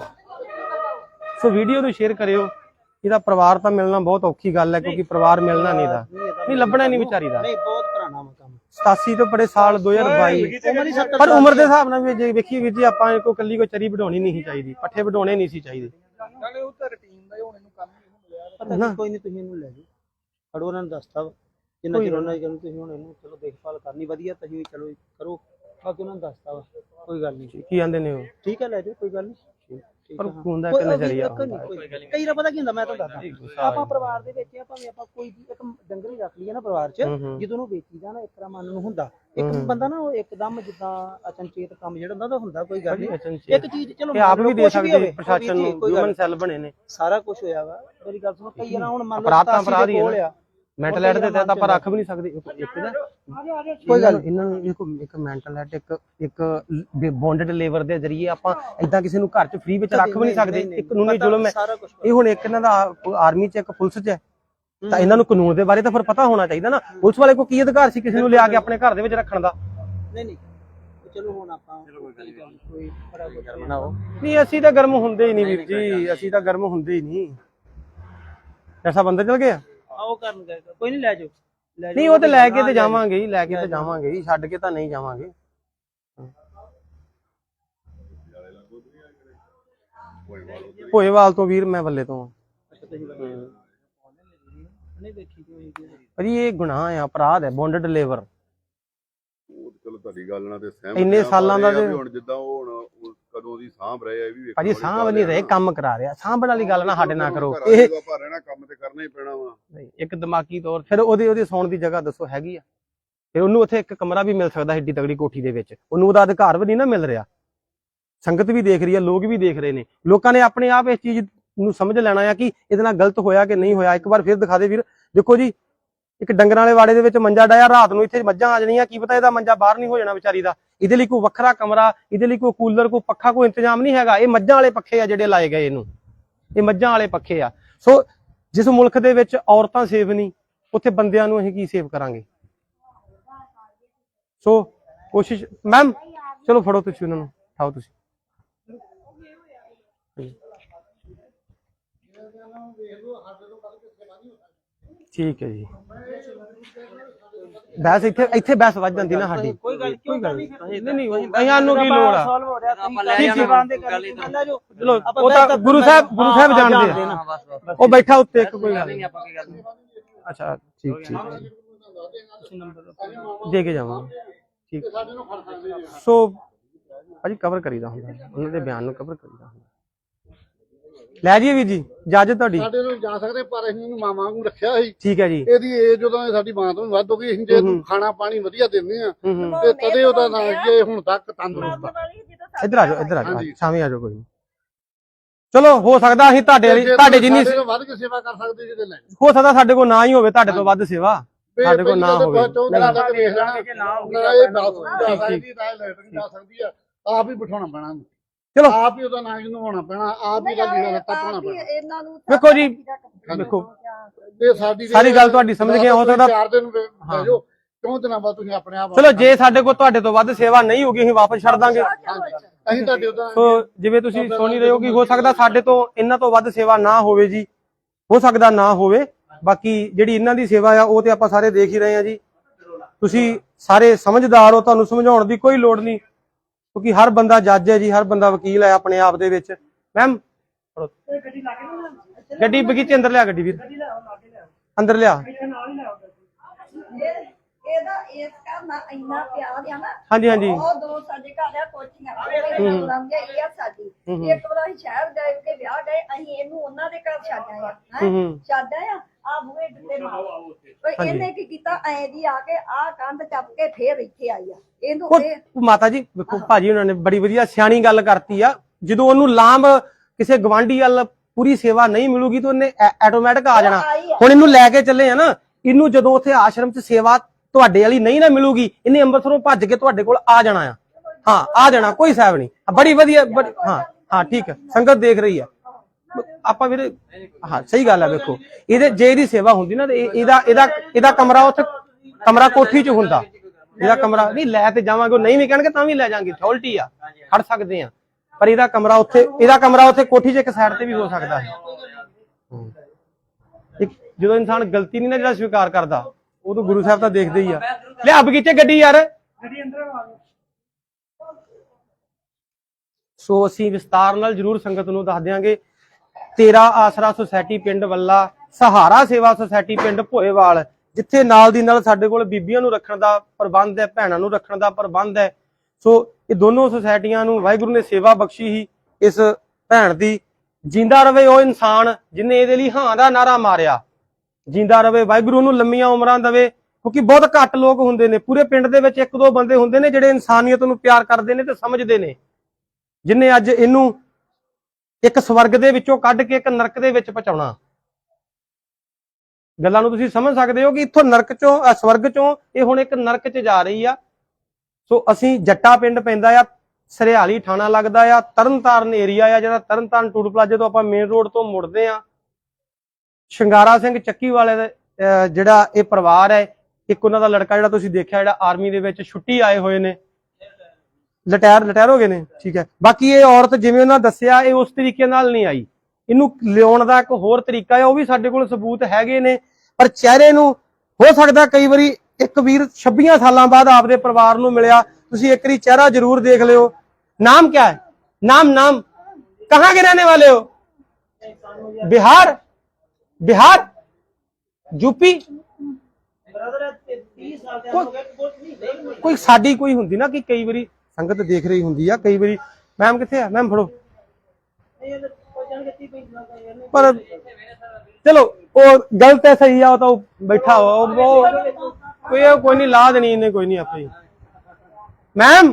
Speaker 2: ਸੋ ਵੀਡੀਓ ਨੂੰ ਸ਼ੇਅਰ ਕਰਿਓ। ਇਹਦਾ ਪਰਿਵਾਰ ਤਾਂ ਮਿਲਣਾ ਬਹੁਤ ਔਖੀ ਗੱਲ ਹੈ, ਕਿਉਂਕਿ ਪਰਿਵਾਰ ਮਿਲਣਾ ਨਹੀਂ ਦਾ ਨਹੀਂ ਲੱਭਣਾ ਨਹੀਂ ਵਿਚਾਰੀ ਦਾ।
Speaker 5: ਨਹੀਂ ਬਹੁਤ ਪੁਰਾਣਾ ਕੰਮ
Speaker 2: ਸਤਾਸੀ ਤੋਂ ਬੜੇ ਸਾਲ ਦੋ ਹਜ਼ਾਰ ਬਾਈ, ਪਰ ਉਮਰ ਦੇ ਹਿਸਾਬ ਨਾਲ ਵੀ ਜੇ ਵੇਖੀਏ ਵੀਰ ਜੀ ਆਪਾਂ ਕੋਈ ਕੱਲੀ ਕੋਈ ਚਰੀ ਵਢਾਉਣੀ ਨਹੀਂ ਚਾਹੀਦੀ, ਪੱਠੇ ਵਢਾਉਣੇ ਨਹੀਂ ਸੀ ਚਾਹੀਦੇ।
Speaker 5: ਨਾਲੇ ਉਹ ਤਾਂ ਰੁਟੀਨ ਦਾ ਹੁਣ ਇਹਨੂੰ ਕੰਮ ਹੀ ਮਿਲਿਆ ਪਤਾ ਕੋਈ ਨਹੀਂ, ਤੁਸੀਂ ਇਹਨੂੰ ਲੈ ਜਾਓ ਖੜੋ, ਉਹਨਾਂ ਨੂੰ ਦੱਸਤਾ ਜਿੰਨਾ ਚਿਰ ਉਹਨਾਂ ਦੀ ਗੱਲ ਤੁਸੀਂ ਹੁਣ ਇਹਨੂੰ ਚਲੋ ਦੇਖਭਾਲ ਕਰਨੀ ਵਧੀਆ, ਤੁਸੀਂ ਵੀ ਚਲੋ ਕਰੋ, ਬਾਕੀ ਉਹਨਾਂ ਨੂੰ ਦੱਸਤਾ ਵਾ ਕੋਈ ਗੱਲ ਨਹੀਂ।
Speaker 2: ਕੀ ਆਂਦੇ ਨੇ ਉਹ?
Speaker 5: ਠੀਕ ਹੈ ਲੈ ਜਾਓ ਕੋਈ ਗੱਲ ਨਹੀਂ।
Speaker 2: ਪਰ ਹੁੰਦਾ ਇੱਕ ਨਜ਼ਰੀਆ
Speaker 5: ਕਈ ਵਾਰ ਪਤਾ ਕੀ ਹੁੰਦਾ, ਮੈਂ ਤੁਹਾਨੂੰ ਦੱਸਦਾ ਆਪਾਂ ਪਰਿਵਾਰ ਦੇ ਵਿੱਚ ਭਾਵੇਂ ਆਪਾਂ ਕੋਈ ਇੱਕ ਡੰਗਰ ਹੀ ਰੱਖ ਲਈਏ ਨਾ ਪਰਿਵਾਰ 'ਚ, ਜਦੋਂ ਉਹਨੂੰ ਵੇਚੀਦਾ ਨਾ ਇੱਕ ਤਰ੍ਹਾਂ ਮਨ ਨੂੰ ਹੁੰਦਾ, ਇੱਕ ਬੰਦਾ ਨਾ ਉਹ ਇੱਕਦਮ ਜਿੱਦਾਂ ਅਚਨਚੇਤ ਕੰਮ ਜਿਹੜਾ ਹੁੰਦਾ ਉਹ ਹੁੰਦਾ ਕੋਈ ਗੱਲ ਨਹੀਂ। ਇੱਕ ਚੀਜ਼ ਚਲੋ
Speaker 2: ਆਪ ਵੀ ਦੇ ਸਕਦੇ ਪ੍ਰਸ਼ਾਸਨ ਨੂੰ, ਹਿਊਮਨ ਸੈੱਲ ਬਣੇ ਨੇ,
Speaker 5: ਸਾਰਾ ਕੁਝ ਹੋਇਆ ਵਾ। ਮੇਰੀ ਗੱਲ ਸੁਣੋ, ਕਈ ਨਾ ਹੁਣ ਮੰਨ ਲਓ
Speaker 2: ਅਪਰਾਧ ਤਾਂ ਅਪਰਾਧ ਹੀ ਹੈ, ਮੈਂਟਲ ਹੈਲਥ ਦੇ ਤਹਿਤ ਆਪਾਂ ਰੱਖ ਵੀ ਨਹੀਂ ਸਕਦੇ। ਇੱਕ ਨਾ ਕੋਈ ਗੱਲ ਇਹਨਾਂ ਨੂੰ ਇੱਕ ਇੱਕ ਮੈਂਟਲ ਹੈਲਥ ਇੱਕ ਇੱਕ ਬੌਂਡਡ ਲੇਬਰ ਦੇ ਜ਼ਰੀਏ ਆਪਾਂ ਇਦਾਂ ਕਿਸੇ ਨੂੰ ਘਰ 'ਚ ਫ੍ਰੀ ਵਿੱਚ ਰੱਖ ਵੀ ਨਹੀਂ ਸਕਦੇ। ਇੱਕ ਕਾਨੂੰਨੀ ਜ਼ੁਲਮ ਹੈ ਇਹ। ਹੁਣ ਇੱਕ ਇਹਨਾਂ ਦਾ ਆਰਮੀ 'ਚ ਇੱਕ ਪੁਲਿਸ 'ਚ ਹੈ, ਤਾਂ ਇਹਨਾਂ ਨੂੰ ਕਾਨੂੰਨ ਦੇ ਬਾਰੇ ਤਾਂ ਫਿਰ ਪਤਾ ਹੋਣਾ ਚਾਹੀਦਾ ਨਾ। ਪੁਲਿਸ ਵਾਲੇ ਕੋਲ ਕੀ ਅਧਿਕਾਰ ਸੀ ਕਿਸੇ ਨੂੰ ਲਿਆ ਕੇ ਆਪਣੇ ਘਰ ਦੇ ਵਿੱਚ ਰੱਖਣ ਦਾ?
Speaker 5: ਨਹੀਂ ਨਹੀਂ ਚਲੋ ਹੁਣ ਆਪਾਂ ਕੋਈ ਬੜਾ ਕੁਝ
Speaker 2: ਬਣਾਓ। ਨਹੀਂ ਅਸੀਂ ਤਾਂ ਗਰਮ ਹੁੰਦੇ ਹੀ ਨਹੀਂ ਵੀਰ ਜੀ, ਅਸੀਂ ਤਾਂ ਗਰਮ ਹੁੰਦੇ ਹੀ ਨਹੀਂ। ਐਸਾ ਬੰਦਾ ਚਲ ਗਿਆ
Speaker 5: ਆਓ ਕਰਨ ਗਏ ਕੋਈ ਨਹੀਂ, ਲੈ ਜਾਓ
Speaker 2: ਨਹੀਂ ਉਹ ਤੇ ਲੈ ਕੇ ਤੇ ਜਾਵਾਂਗੇ ਹੀ, ਲੈ ਕੇ ਤੇ ਜਾਵਾਂਗੇ ਹੀ, ਛੱਡ ਕੇ ਤਾਂ ਨਹੀਂ ਜਾਵਾਂਗੇ। ਭੋਏਵਾਲ ਤੋਂ ਵੀਰ ਮੈਂ ਬੱਲੇ ਤੋਂ। ਭਾਜੀ ਇਹ ਗੁਨਾਹ ਆ, ਅਪਰਾਧ ਹੈ, ਬੌਂਡਡ ਲੇਬਰ।
Speaker 6: ਚਲੋ ਤੁਹਾਡੀ ਗੱਲ ਨਾਲ ਤੇ ਸਹਿਮਤ
Speaker 2: ਇੰਨੇ ਸਾਲਾਂ ਦਾ
Speaker 6: ਹੁਣ ਜਿੱਦਾਂ ਉਹ ਹੁਣ ਕਦੋਂ ਦੀ ਸਾਂਭ ਰਹੇ ਆ ਇਹ ਵੀ
Speaker 2: ਭਾਜੀ ਸਾਂਭ ਨਹੀਂ ਰਹੇ, ਕੰਮ ਕਰਾ ਰਿਹਾ। ਸਾਂਭਣ ਵਾਲੀ ਗੱਲ ਨਾ ਸਾਡੇ ਨਾਲ ਕਰੋ।
Speaker 6: ਇਹ ਰਹਿਣਾ ਕੰਮ ਤੇ ਕਰਨਾ ਹੀ ਪੈਣਾ ਵਾ।
Speaker 2: ਇੱਕ ਦਿਮਾਗੀ ਤੌਰ ਫਿਰ ਉਹਦੇ ਉਹਦੀ ਸੌਣ ਦੀ ਜਗ੍ਹਾ ਦੱਸੋ ਹੈਗੀ ਆ? ਫਿਰ ਉਹਨੂੰ ਉੱਥੇ ਇੱਕ ਕਮਰਾ ਵੀ ਮਿਲ ਸਕਦਾ ਏਡੀ ਤਗੜੀ ਕੋਠੀ ਦੇ ਵਿੱਚ, ਉਹਨੂੰ ਉਹਦਾ ਅਧਿਕਾਰ ਵੀ ਨਹੀਂ ਨਾ ਮਿਲ ਰਿਹਾ। ਸੰਗਤ ਵੀ ਦੇਖ ਰਹੀ ਆ, ਲੋਕ ਵੀ ਦੇਖ ਰਹੇ ਨੇ। ਲੋਕਾਂ ਨੇ ਆਪਣੇ ਆਪ ਇਸ ਚੀਜ਼ ਨੂੰ ਸਮਝ ਲੈਣਾ ਆ ਕਿ ਇਹਦੇ ਨਾਲ ਗਲਤ ਹੋਇਆ ਕਿ ਨਹੀਂ ਹੋਇਆ। ਇੱਕ ਵਾਰ ਫਿਰ ਦਿਖਾ ਦੇ ਵੀਰ। ਦੇਖੋ ਜੀ ਇੱਕ ਡੰਗਰਾਂ ਵਾਲੇ ਵਾੜੇ ਦੇ ਵਿੱਚ ਮੰਜਾ ਡਾਇਆ, ਰਾਤ ਨੂੰ ਇੱਥੇ ਮੱਝਾਂ ਆ ਜਾਣੀਆਂ, ਕੀ ਪਤਾ ਇਹਦਾ ਮੰਜਾ ਬਾਹਰ ਨਹੀਂ ਹੋ ਜਾਣਾ ਵਿਚਾਰੀ ਦਾ। ਇਹਦੇ ਲਈ ਕੋਈ ਵੱਖਰਾ ਕਮਰਾ, ਇਹਦੇ ਲਈ ਕੋਈ ਕੂਲਰ, ਕੋਈ ਪੱਖਾ, ਕੋਈ ਇੰਤਜ਼ਾਮ ਨਹੀਂ ਹੈਗਾ। ਇਹ ਮੱਝਾਂ ਵਾਲੇ ਪੱਖੇ ਆ ਜਿਹੜੇ ਲਾਏ ਗਏ ਇਹਨੂੰ, ਇਹ ਮੱਝਾਂ ਵਾਲੇ ਪੱਖੇ ਆ। ਸੋ ਜਿਸ ਮੁਲਕ ਦੇ ਵਿੱਚ ਔਰਤਾਂ ਸੇਫ ਨਹੀਂ, ਉੱਥੇ ਬੰਦਿਆਂ ਨੂੰ ਅਸੀਂ ਕੀ ਸੇਵ ਕਰਾਂਗੇ? ਸੋ ਕੋਸ਼ਿਸ਼ ਮੈਮ, ਚਲੋ ਫੜੋ ਤੁਸੀਂ ਉਹਨਾਂ ਨੂੰ, ਉਠਾਓ ਤੁਸੀਂ। ਠੀਕ ਹੈ ਜੀ। ਬੈਸ ਇੱਥੇ ਇੱਥੇ ਬੈਸ ਵੱਜ ਜਾਂਦੀ ਨਾ ਸਾਡੀ।
Speaker 5: ਕੋਈ ਗੱਲ ਕੋਈ ਗੱਲ ਨਹੀਂ
Speaker 2: ਨਹੀਂ ਅਸੀਂ ਨੂੰ ਕੀ ਲੋੜ ਆ?
Speaker 5: ਸੋਲਵ ਹੋ ਰਿਹਾ,
Speaker 2: ਆਪਾਂ ਲੈ ਜਾਵਾਂਗੇ
Speaker 5: ਚਲੋ
Speaker 2: ਉਹ ਤਾਂ ਗੁਰੂ ਸਾਹਿਬ ਗੁਰੂ ਸਾਹਿਬ ਜਾਣਦੇ ਆ। ਉਹ ਬੈਠਾ ਉੱਤੇ ਇੱਕ ਕੋਈ ਗੱਲ ਨਹੀਂ। ਅੱਛਾ ਠੀਕ ਠੀਕ ਦੇ ਕੇ ਜਾਵਾਂਗੇ। ਠੀਕ ਸੋ ਭਾਜੀ ਕਵਰ ਕਰੀਦਾ ਹੁੰਦਾ, ਉਹਨਾਂ ਦੇ ਬਿਆਨ ਨੂੰ ਕਵਰ ਕਰੀਦਾ ਹੁੰਦਾ। ਲੈ ਜੀ ਵੀਰ ਜੀ ਇਜਾਜ਼ਤ ਤੁਹਾਡੀ।
Speaker 3: ਸਾਡੇ ਨੂੰ ਜਾ ਸਕਦੇ ਪਰ ਅਸੀਂ ਇਹਨੂੰ ਮਾਂ ਵਾਂਗੂ ਰੱਖਿਆ ਸੀ।
Speaker 2: ਠੀਕ ਹੈ ਜੀ।
Speaker 3: ਇਹਦੀ ਏਜ ਜਦੋਂ ਸਾਡੀ ਮਾਂ ਤੋਂ ਵੀ ਵੱਧ ਹੋ ਗਈ, ਅਸੀਂ ਜੇ ਖਾਣਾ ਪਾਣੀ ਵਧੀਆ ਦਿੰਦੇ ਆ ਤੇ ਤਦੇ ਉਹਦਾ ਨਾਂ ਜੇ ਹੁਣ ਤੱਕ ਤੰਦਰੁਸਤ ਆ।
Speaker 2: ਇੱਧਰ ਆ ਜਾਓ, ਇੱਧਰ ਆ ਜਾਓ, ਸ਼ਾਮੀ ਆ ਜਾਓ। ਕੋਈ ਚਲੋ ਹੋ ਸਕਦਾ ਅਸੀਂ ਤੁਹਾਡੇ ਵਾਲੀ ਤੁਹਾਡੇ ਜਿੰਨੀ
Speaker 3: ਵੱਧ ਕੇ ਸੇਵਾ ਕਰ ਸਕਦੇ ਜਿਹਦੇ ਲੈ
Speaker 2: ਹੋ ਸਕਦਾ ਸਾਡੇ ਕੋਲ ਨਾ ਹੀ ਹੋਵੇ, ਤੁਹਾਡੇ ਤੋਂ ਵੱਧ ਸੇਵਾ ਸਾਡੇ ਕੋਲ ਨਾ ਹੋਵੇ।
Speaker 3: ਆਪ ਹੀ ਬਿਠਾਉਣਾ ਪੈਣਾ,
Speaker 2: ਚਲੋ
Speaker 3: ਆਪ ਹੀ ਉਹਦਾ ਨਾਂ ਨਵਾਉਣਾ ਪੈਣਾ, ਆਪ ਹੀ ਉਹਦਾ ਲੀੜਾ ਲੱਤਾ ਪਾਉਣਾ ਪੈਣਾ।
Speaker 2: ਵੇਖੋ ਜੀ ਵੇਖੋ
Speaker 3: ਤੇ ਸਾਡੀ
Speaker 2: ਸਾਰੀ ਗੱਲ ਤੁਹਾਡੀ ਸਮਝ ਗਏ। ਹੋ ਸਕਦਾ
Speaker 3: ਚਾਰ ਦਿਨ ਬਹਿ ਜਾਓ, ਕਿਉਂ ਦਿਨਾਂ ਬਾਅਦ ਤੁਸੀਂ ਆਪਣੇ ਆਪ।
Speaker 2: ਚਲੋ ਜੇ ਸਾਡੇ ਕੋਲ ਤੁਹਾਡੇ ਤੋਂ ਵੱਧ ਸੇਵਾ ਨਹੀਂ ਹੋਗੀ ਅਸੀਂ ਵਾਪਸ ਛੱਡ ਦਾਂਗੇ।
Speaker 3: ਅਸੀਂ ਤੁਹਾਡੇ ਉਹਦਾ
Speaker 2: ਸੋ ਜਿਵੇਂ ਤੁਸੀਂ ਸੁਣ ਹੀ ਰਹੇ ਹੋ ਕਿ ਹੋ ਸਕਦਾ ਸਾਡੇ ਤੋਂ ਇਹਨਾਂ ਤੋਂ ਵੱਧ ਸੇਵਾ ਨਾ ਹੋਵੇ ਜੀ, ਹੋ ਸਕਦਾ ਨਾ ਹੋਵੇ। ਬਾਕੀ ਜਿਹੜੀ ਇਹਨਾਂ ਦੀ ਸੇਵਾ ਆ ਉਹ ਤੇ ਆਪਾਂ ਸਾਰੇ ਦੇਖ ਹੀ ਰਹੇ ਆ ਜੀ। ਤੁਸੀਂ ਸਾਰੇ ਸਮਝਦਾਰ ਹੋ, ਤੁਹਾਨੂੰ ਸਮਝਾਉਣ ਦੀ ਕੋਈ ਲੋੜ ਨਹੀਂ, ਕਿਉਂਕਿ ਹਰ ਬੰਦਾ ਜੱਜ ਹੈ ਜੀ, ਹਰ ਬੰਦਾ ਵਕੀਲ ਹੈ ਆਪਣੇ ਆਪ ਦੇ ਵਿੱਚ। ਮੈਮ ਗੱਡੀ ਬਗੀਚੇ ਅੰਦਰ ਲਿਆ, ਗੱਡੀ ਵੀਰ ਅੰਦਰ ਲਿਆ।
Speaker 7: ਇਹਦਾ ਇਸ ਘਰ ਨਾਲ ਇੰਨਾ ਪਿਆਰ ਆ ਨਾ।
Speaker 2: ਹਾਂਜੀ ਹਾਂਜੀ
Speaker 7: ਉਹ ਦੋ ਸਾਡੇ ਘਰ ਆ ਕੋਠੀਆਂ, ਉਹ ਲੰਘ ਗਏ। ਇਹ ਆ ਸਾਡੀ। ਇੱਕ ਵਾਰ ਅਸੀਂ ਸ਼ਹਿਰ ਗਏ ਤੇ ਵਿਆਹ ਗਏ, ਅਸੀਂ ਇਹਨੂੰ ਉਹਨਾਂ ਦੇ ਘਰ ਛੱਡ ਆਏ ਆ। ਛੱਡ ਆਏ ਆ ਆ ਬੂਹੇ ਡੁੱਲੇ ਮਾਰ। ਪਰ ਇਹਨੇ ਕੀ ਕੀਤਾ, ਐ ਜੀ ਆ ਕੇ ਆ ਕੰਧ ਚੱਪ ਕੇ ਫੇਰ ਇੱਥੇ ਆਈ ਆ। ਇਹਨੂੰ
Speaker 2: ਉਹ ਮਾਤਾ ਜੀ ਵੇਖੋ ਭਾਜੀ ਉਹਨਾਂ ਨੇ ਬੜੀ ਵਧੀਆ ਸਿਆਣੀ ਗੱਲ ਕਰਤੀ ਆ। ਜਦੋਂ ਉਹਨੂੰ ਲਾਂਭ ਕਿਸੇ ਗਵਾਂਢੀ ਵੱਲ ਪੂਰੀ ਸੇਵਾ ਨਹੀਂ ਮਿਲੂਗੀ ਤਾਂ ਉਹਨੇ ਆਟੋਮੈਟਿਕ ਆ ਜਾਣਾ। ਹੁਣ ਇਹਨੂੰ ਲੈ ਕੇ ਚੱਲੇ ਆ ਨਾ, ਇਹਨੂੰ ਜਦੋਂ ਉੱਥੇ ਆਸ਼ਰਮ 'ਚ ਸੇਵਾ ਤੁਹਾਡੇ ਵਾਲੀ ਨਹੀਂ ਨਾ ਮਿਲੂਗੀ, ਇਹਨੇ ਅੰਮ੍ਰਿਤਸਰੋਂ ਭੱਜ ਕੇ ਤੁਹਾਡੇ ਕੋਲ ਆ ਜਾਣਾ ਆ। ਹਾਂ ਆ ਜਾਣਾ, ਕੋਈ ਸਾਹਿਬ ਨਹੀਂ। ਬੜੀ ਵਧੀਆ, ਹਾਂ ਹਾਂ ਠੀਕ ਹੈ, ਸੰਗਤ ਦੇਖ ਰਹੀ ਆ। ਆਪਾਂ ਵੀਰੇ ਹਾਂ ਸਹੀ ਗੱਲ ਹੈ। ਵੇਖੋ ਇਹਦੇ ਜੇ ਇਹਦੀ ਸੇਵਾ ਹੁੰਦੀ ਨਾ ਤੇ ਇਹ- ਇਹਦਾ ਇਹਦਾ ਇਹਦਾ ਕਮਰਾ ਉੱਥੇ ਕਮਰਾ ਕੋਠੀ 'ਚ ਹੁੰਦਾ। ਇਹਦਾ ਕਮਰਾ ਨਹੀਂ ਲੈ ਤੇ ਜਾਵਾਂਗੇ, ਉਹ ਨਹੀਂ ਵੀ ਕਹਿਣਗੇ ਤਾਂ ਵੀ ਲੈ ਜਾਾਂਗੇ, ਅਥਾਰਟੀ ਆ, ਖੜ ਸਕਦੇ ਆ। ਪਰ ਇਹਦਾ ਕਮਰਾ ਉੱਥੇ ਇਹਦਾ ਕਮਰਾ ਉੱਥੇ ਕੋਠੀ 'ਚ ਇੱਕ ਸਾਈਡ ਤੇ ਵੀ ਹੋ ਸਕਦਾ ਹੈ। ਇੱਕ ਜਦੋਂ ਇਨਸਾਨ ਗਲਤੀ ਨਹੀਂ ਨਾ ਜਿਹੜਾ ਸਵੀਕਾਰ ਕਰਦਾ, ਉਦੋਂ ਗੁਰੂ ਸਾਹਿਬ ਤਾਂ ਦੇਖਦੇ ਹੀ ਆ। ਲਿਆ ਬਗੀਚੇ ਗੱਡੀ ਯਾਰ। ਸੋ ਅਸੀਂ ਵਿਸਤਾਰ ਨਾਲ ਜਰੂਰ ਸੰਗਤ ਨੂੰ ਦੱਸ ਦਿਆਂਗੇ। ਤੇਰਾ ਆਸਰਾ ਸੁਸਾਇਟੀ ਪਿੰਡ ਵੱਲਾ, ਸਹਾਰਾ ਸੇਵਾ ਸੁਸਾਇਟੀ ਪਿੰਡ ਭੋਏਵਾਲ, ਜਿੱਥੇ ਨਾਲ ਦੀ ਨਾਲ ਸਾਡੇ ਕੋਲ ਬੀਬੀਆਂ ਨੂੰ ਰੱਖਣ ਦਾ ਪ੍ਰਬੰਧ ਹੈ, ਭੈਣਾਂ ਨੂੰ ਰੱਖਣ ਦਾ ਪ੍ਰਬੰਧ ਹੈ। ਸੋ ਇਹ ਦੋਨੋਂ ਸੁਸਾਇਟੀਆਂ ਨੂੰ ਵਾਹਿਗੁਰੂ ਨੇ ਸੇਵਾ ਬਖਸ਼ੀ ਹੀ ਇਸ ਭੈਣ ਦੀ। ਜਿੰਦਾ ਰਵੇ ਉਹ ਇਨਸਾਨ ਜਿਨੇ ਇਹਦੇ ਲਈ ਹਾਂ ਦਾ ਨਾਰਾ ਮਾਰਿਆ, ਜਿੰਦਾ ਰਵੇ, ਵਾਹਿਗੁਰੂ ਨੂੰ ਲੰਮੀਆਂ ਉਮਰਾਂ ਦੇਵੇ। ਕਿਉਂਕਿ ਬਹੁਤ ਘੱਟ ਲੋਕ ਹੁੰਦੇ ਨੇ ਪੂਰੇ ਪਿੰਡ ਦੇ ਵਿੱਚ, ਇੱਕ ਦੋ ਬੰਦੇ ਹੁੰਦੇ ਨੇ ਜਿਹੜੇ ਇਨਸਾਨੀਅਤ ਨੂੰ ਪਿਆਰ ਕਰਦੇ ਨੇ ਤੇ ਸਮਝਦੇ ਨੇ, ਜਿਨੇ ਅੱਜ ਇਹਨੂੰ ਇੱਕ ਸਵਰਗ ਦੇ ਵਿੱਚੋਂ ਕੱਢ ਕੇ ਇੱਕ ਨਰਕ ਦੇ ਵਿੱਚ ਪਹੁੰਚਾਉਣਾ। ਗੱਲਾਂ ਨੂੰ ਤੁਸੀਂ ਸਮਝ ਸਕਦੇ ਹੋ ਕਿ ਇੱਥੋਂ ਨਰਕ ਚੋਂ ਸਵਰਗ ਚੋਂ ਇਹ ਹੁਣ ਇੱਕ ਨਰਕ 'ਚ ਜਾ ਰਹੀ ਆ। ਸੋ ਅਸੀਂ ਜੱਟਾ ਪਿੰਡ ਪੈਂਦਾ ਆ, ਸਰਿਆਲੀ ਥਾਣਾ ਲੱਗਦਾ ਆ, ਤਰਨਤਾਰਨ ਏਰੀਆ ਆ, ਜਿਹੜਾ ਤਰਨਤਾਰਨ ਟੂਲ ਪਲਾਜ਼ੇ ਤੋਂ ਆਪਾਂ ਮੇਨ ਰੋਡ ਤੋਂ ਮੁੜਦੇ ਆ। ਸ਼ਿੰਗਾਰਾ ਸਿੰਘ ਚੱਕੀ ਵਾਲੇ ਦਾ ਜਿਹੜਾ ਇਹ ਪਰਿਵਾਰ ਹੈ, ਇੱਕ ਉਹਨਾਂ ਦਾ ਲੜਕਾ ਜਿਹੜਾ ਤੁਸੀਂ ਦੇਖਿਆ ਜਿਹੜਾ ਆਰਮੀ ਦੇ ਵਿੱਚ ਛੁੱਟੀ ਆਏ ਹੋਏ ਨੇ, ਰਿਟਾਇਰ ਰਿਟਾਇਰ ਹੋ ਗਏ ਨੇ, ਠੀਕ ਹੈ। ਬਾਕੀ ਇਹ ਔਰਤ ਜਿਵੇਂ ਉਹਨਾਂ ਦੱਸਿਆ ਇਹ ਉਸ ਤਰੀਕੇ ਨਾਲ ਨਹੀਂ ਆਈ, ਇਹਨੂੰ ਲਿਆਉਣ ਦਾ ਇੱਕ ਹੋਰ ਤਰੀਕਾ ਹੈ, ਉਹ ਵੀ ਸਾਡੇ ਕੋਲ ਸਬੂਤ ਹੈਗੇ ਨੇ। ਪਰ ਚਿਹਰੇ ਨੂੰ ਹੋ ਸਕਦਾ ਕਈ ਵਾਰੀ ਇੱਕ ਵੀਰ ਛੱਬੀਆਂ ਸਾਲਾਂ ਬਾਅਦ ਆਪਦੇ ਪਰਿਵਾਰ ਨੂੰ ਮਿਲਿਆ, ਤੁਸੀਂ ਇੱਕ ਵਾਰੀ ਚਿਹਰਾ ਜ਼ਰੂਰ ਦੇਖ ਲਿਓ। ਨਾਮ क्या है? नाम नाम कहाँ के रहने वाले हो? बिहार बिहार यूपी कोई साडी कोई हुंदी ना कि कई बारी संगत देख रही हुंदी आ, कई बारी मैम किथे है? मैम फड़ो। पर चलो वो गलत है सही है, तो बैठा हो वो कोई कोई नहीं ला देनी इन्हें, कोई नहीं आपे। मैम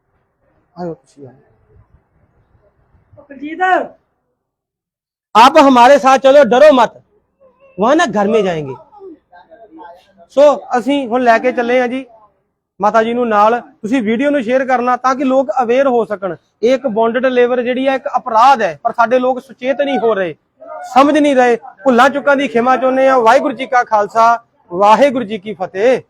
Speaker 2: आप हमारे साथ चलो, डरो मत, वहां ना घर में जाएंगे। सो ਅਸੀਂ ਹੁਣ ਲੈ ਕੇ ਚੱਲੇ ਆ ਜੀ ਮਾਤਾ ਜੀ ਨੂੰ ਨਾਲ। ਤੁਸੀਂ ਵੀਡੀਓ ਨੂੰ ਸ਼ੇਅਰ ਕਰਨਾ ਤਾਂ ਕਿ ਲੋਕ ਅਵੇਅਰ ਹੋ ਸਕਣ। ਇਹ ਇੱਕ ਬੌਂਡਡ ਲੇਬਰ ਜਿਹੜੀ ਹੈ ਇੱਕ ਅਪਰਾਧ ਹੈ, ਪਰ ਸਾਡੇ ਲੋਕ ਸੁਚੇਤ ਨਹੀਂ ਹੋ ਰਹੇ, ਸਮਝ ਨਹੀਂ ਰਹੇ। ਭੁੱਲਾਂ ਚੁੱਕਾਂ ਦੀ ਖਿਮਾ ਚਾਹੁੰਦੇ ਆ। ਵਾਹਿਗੁਰੂ ਜੀ ਕਾ ਖਾਲਸਾ, ਵਾਹਿਗੁਰੂ ਜੀ ਕੀ ਫਤਿਹ।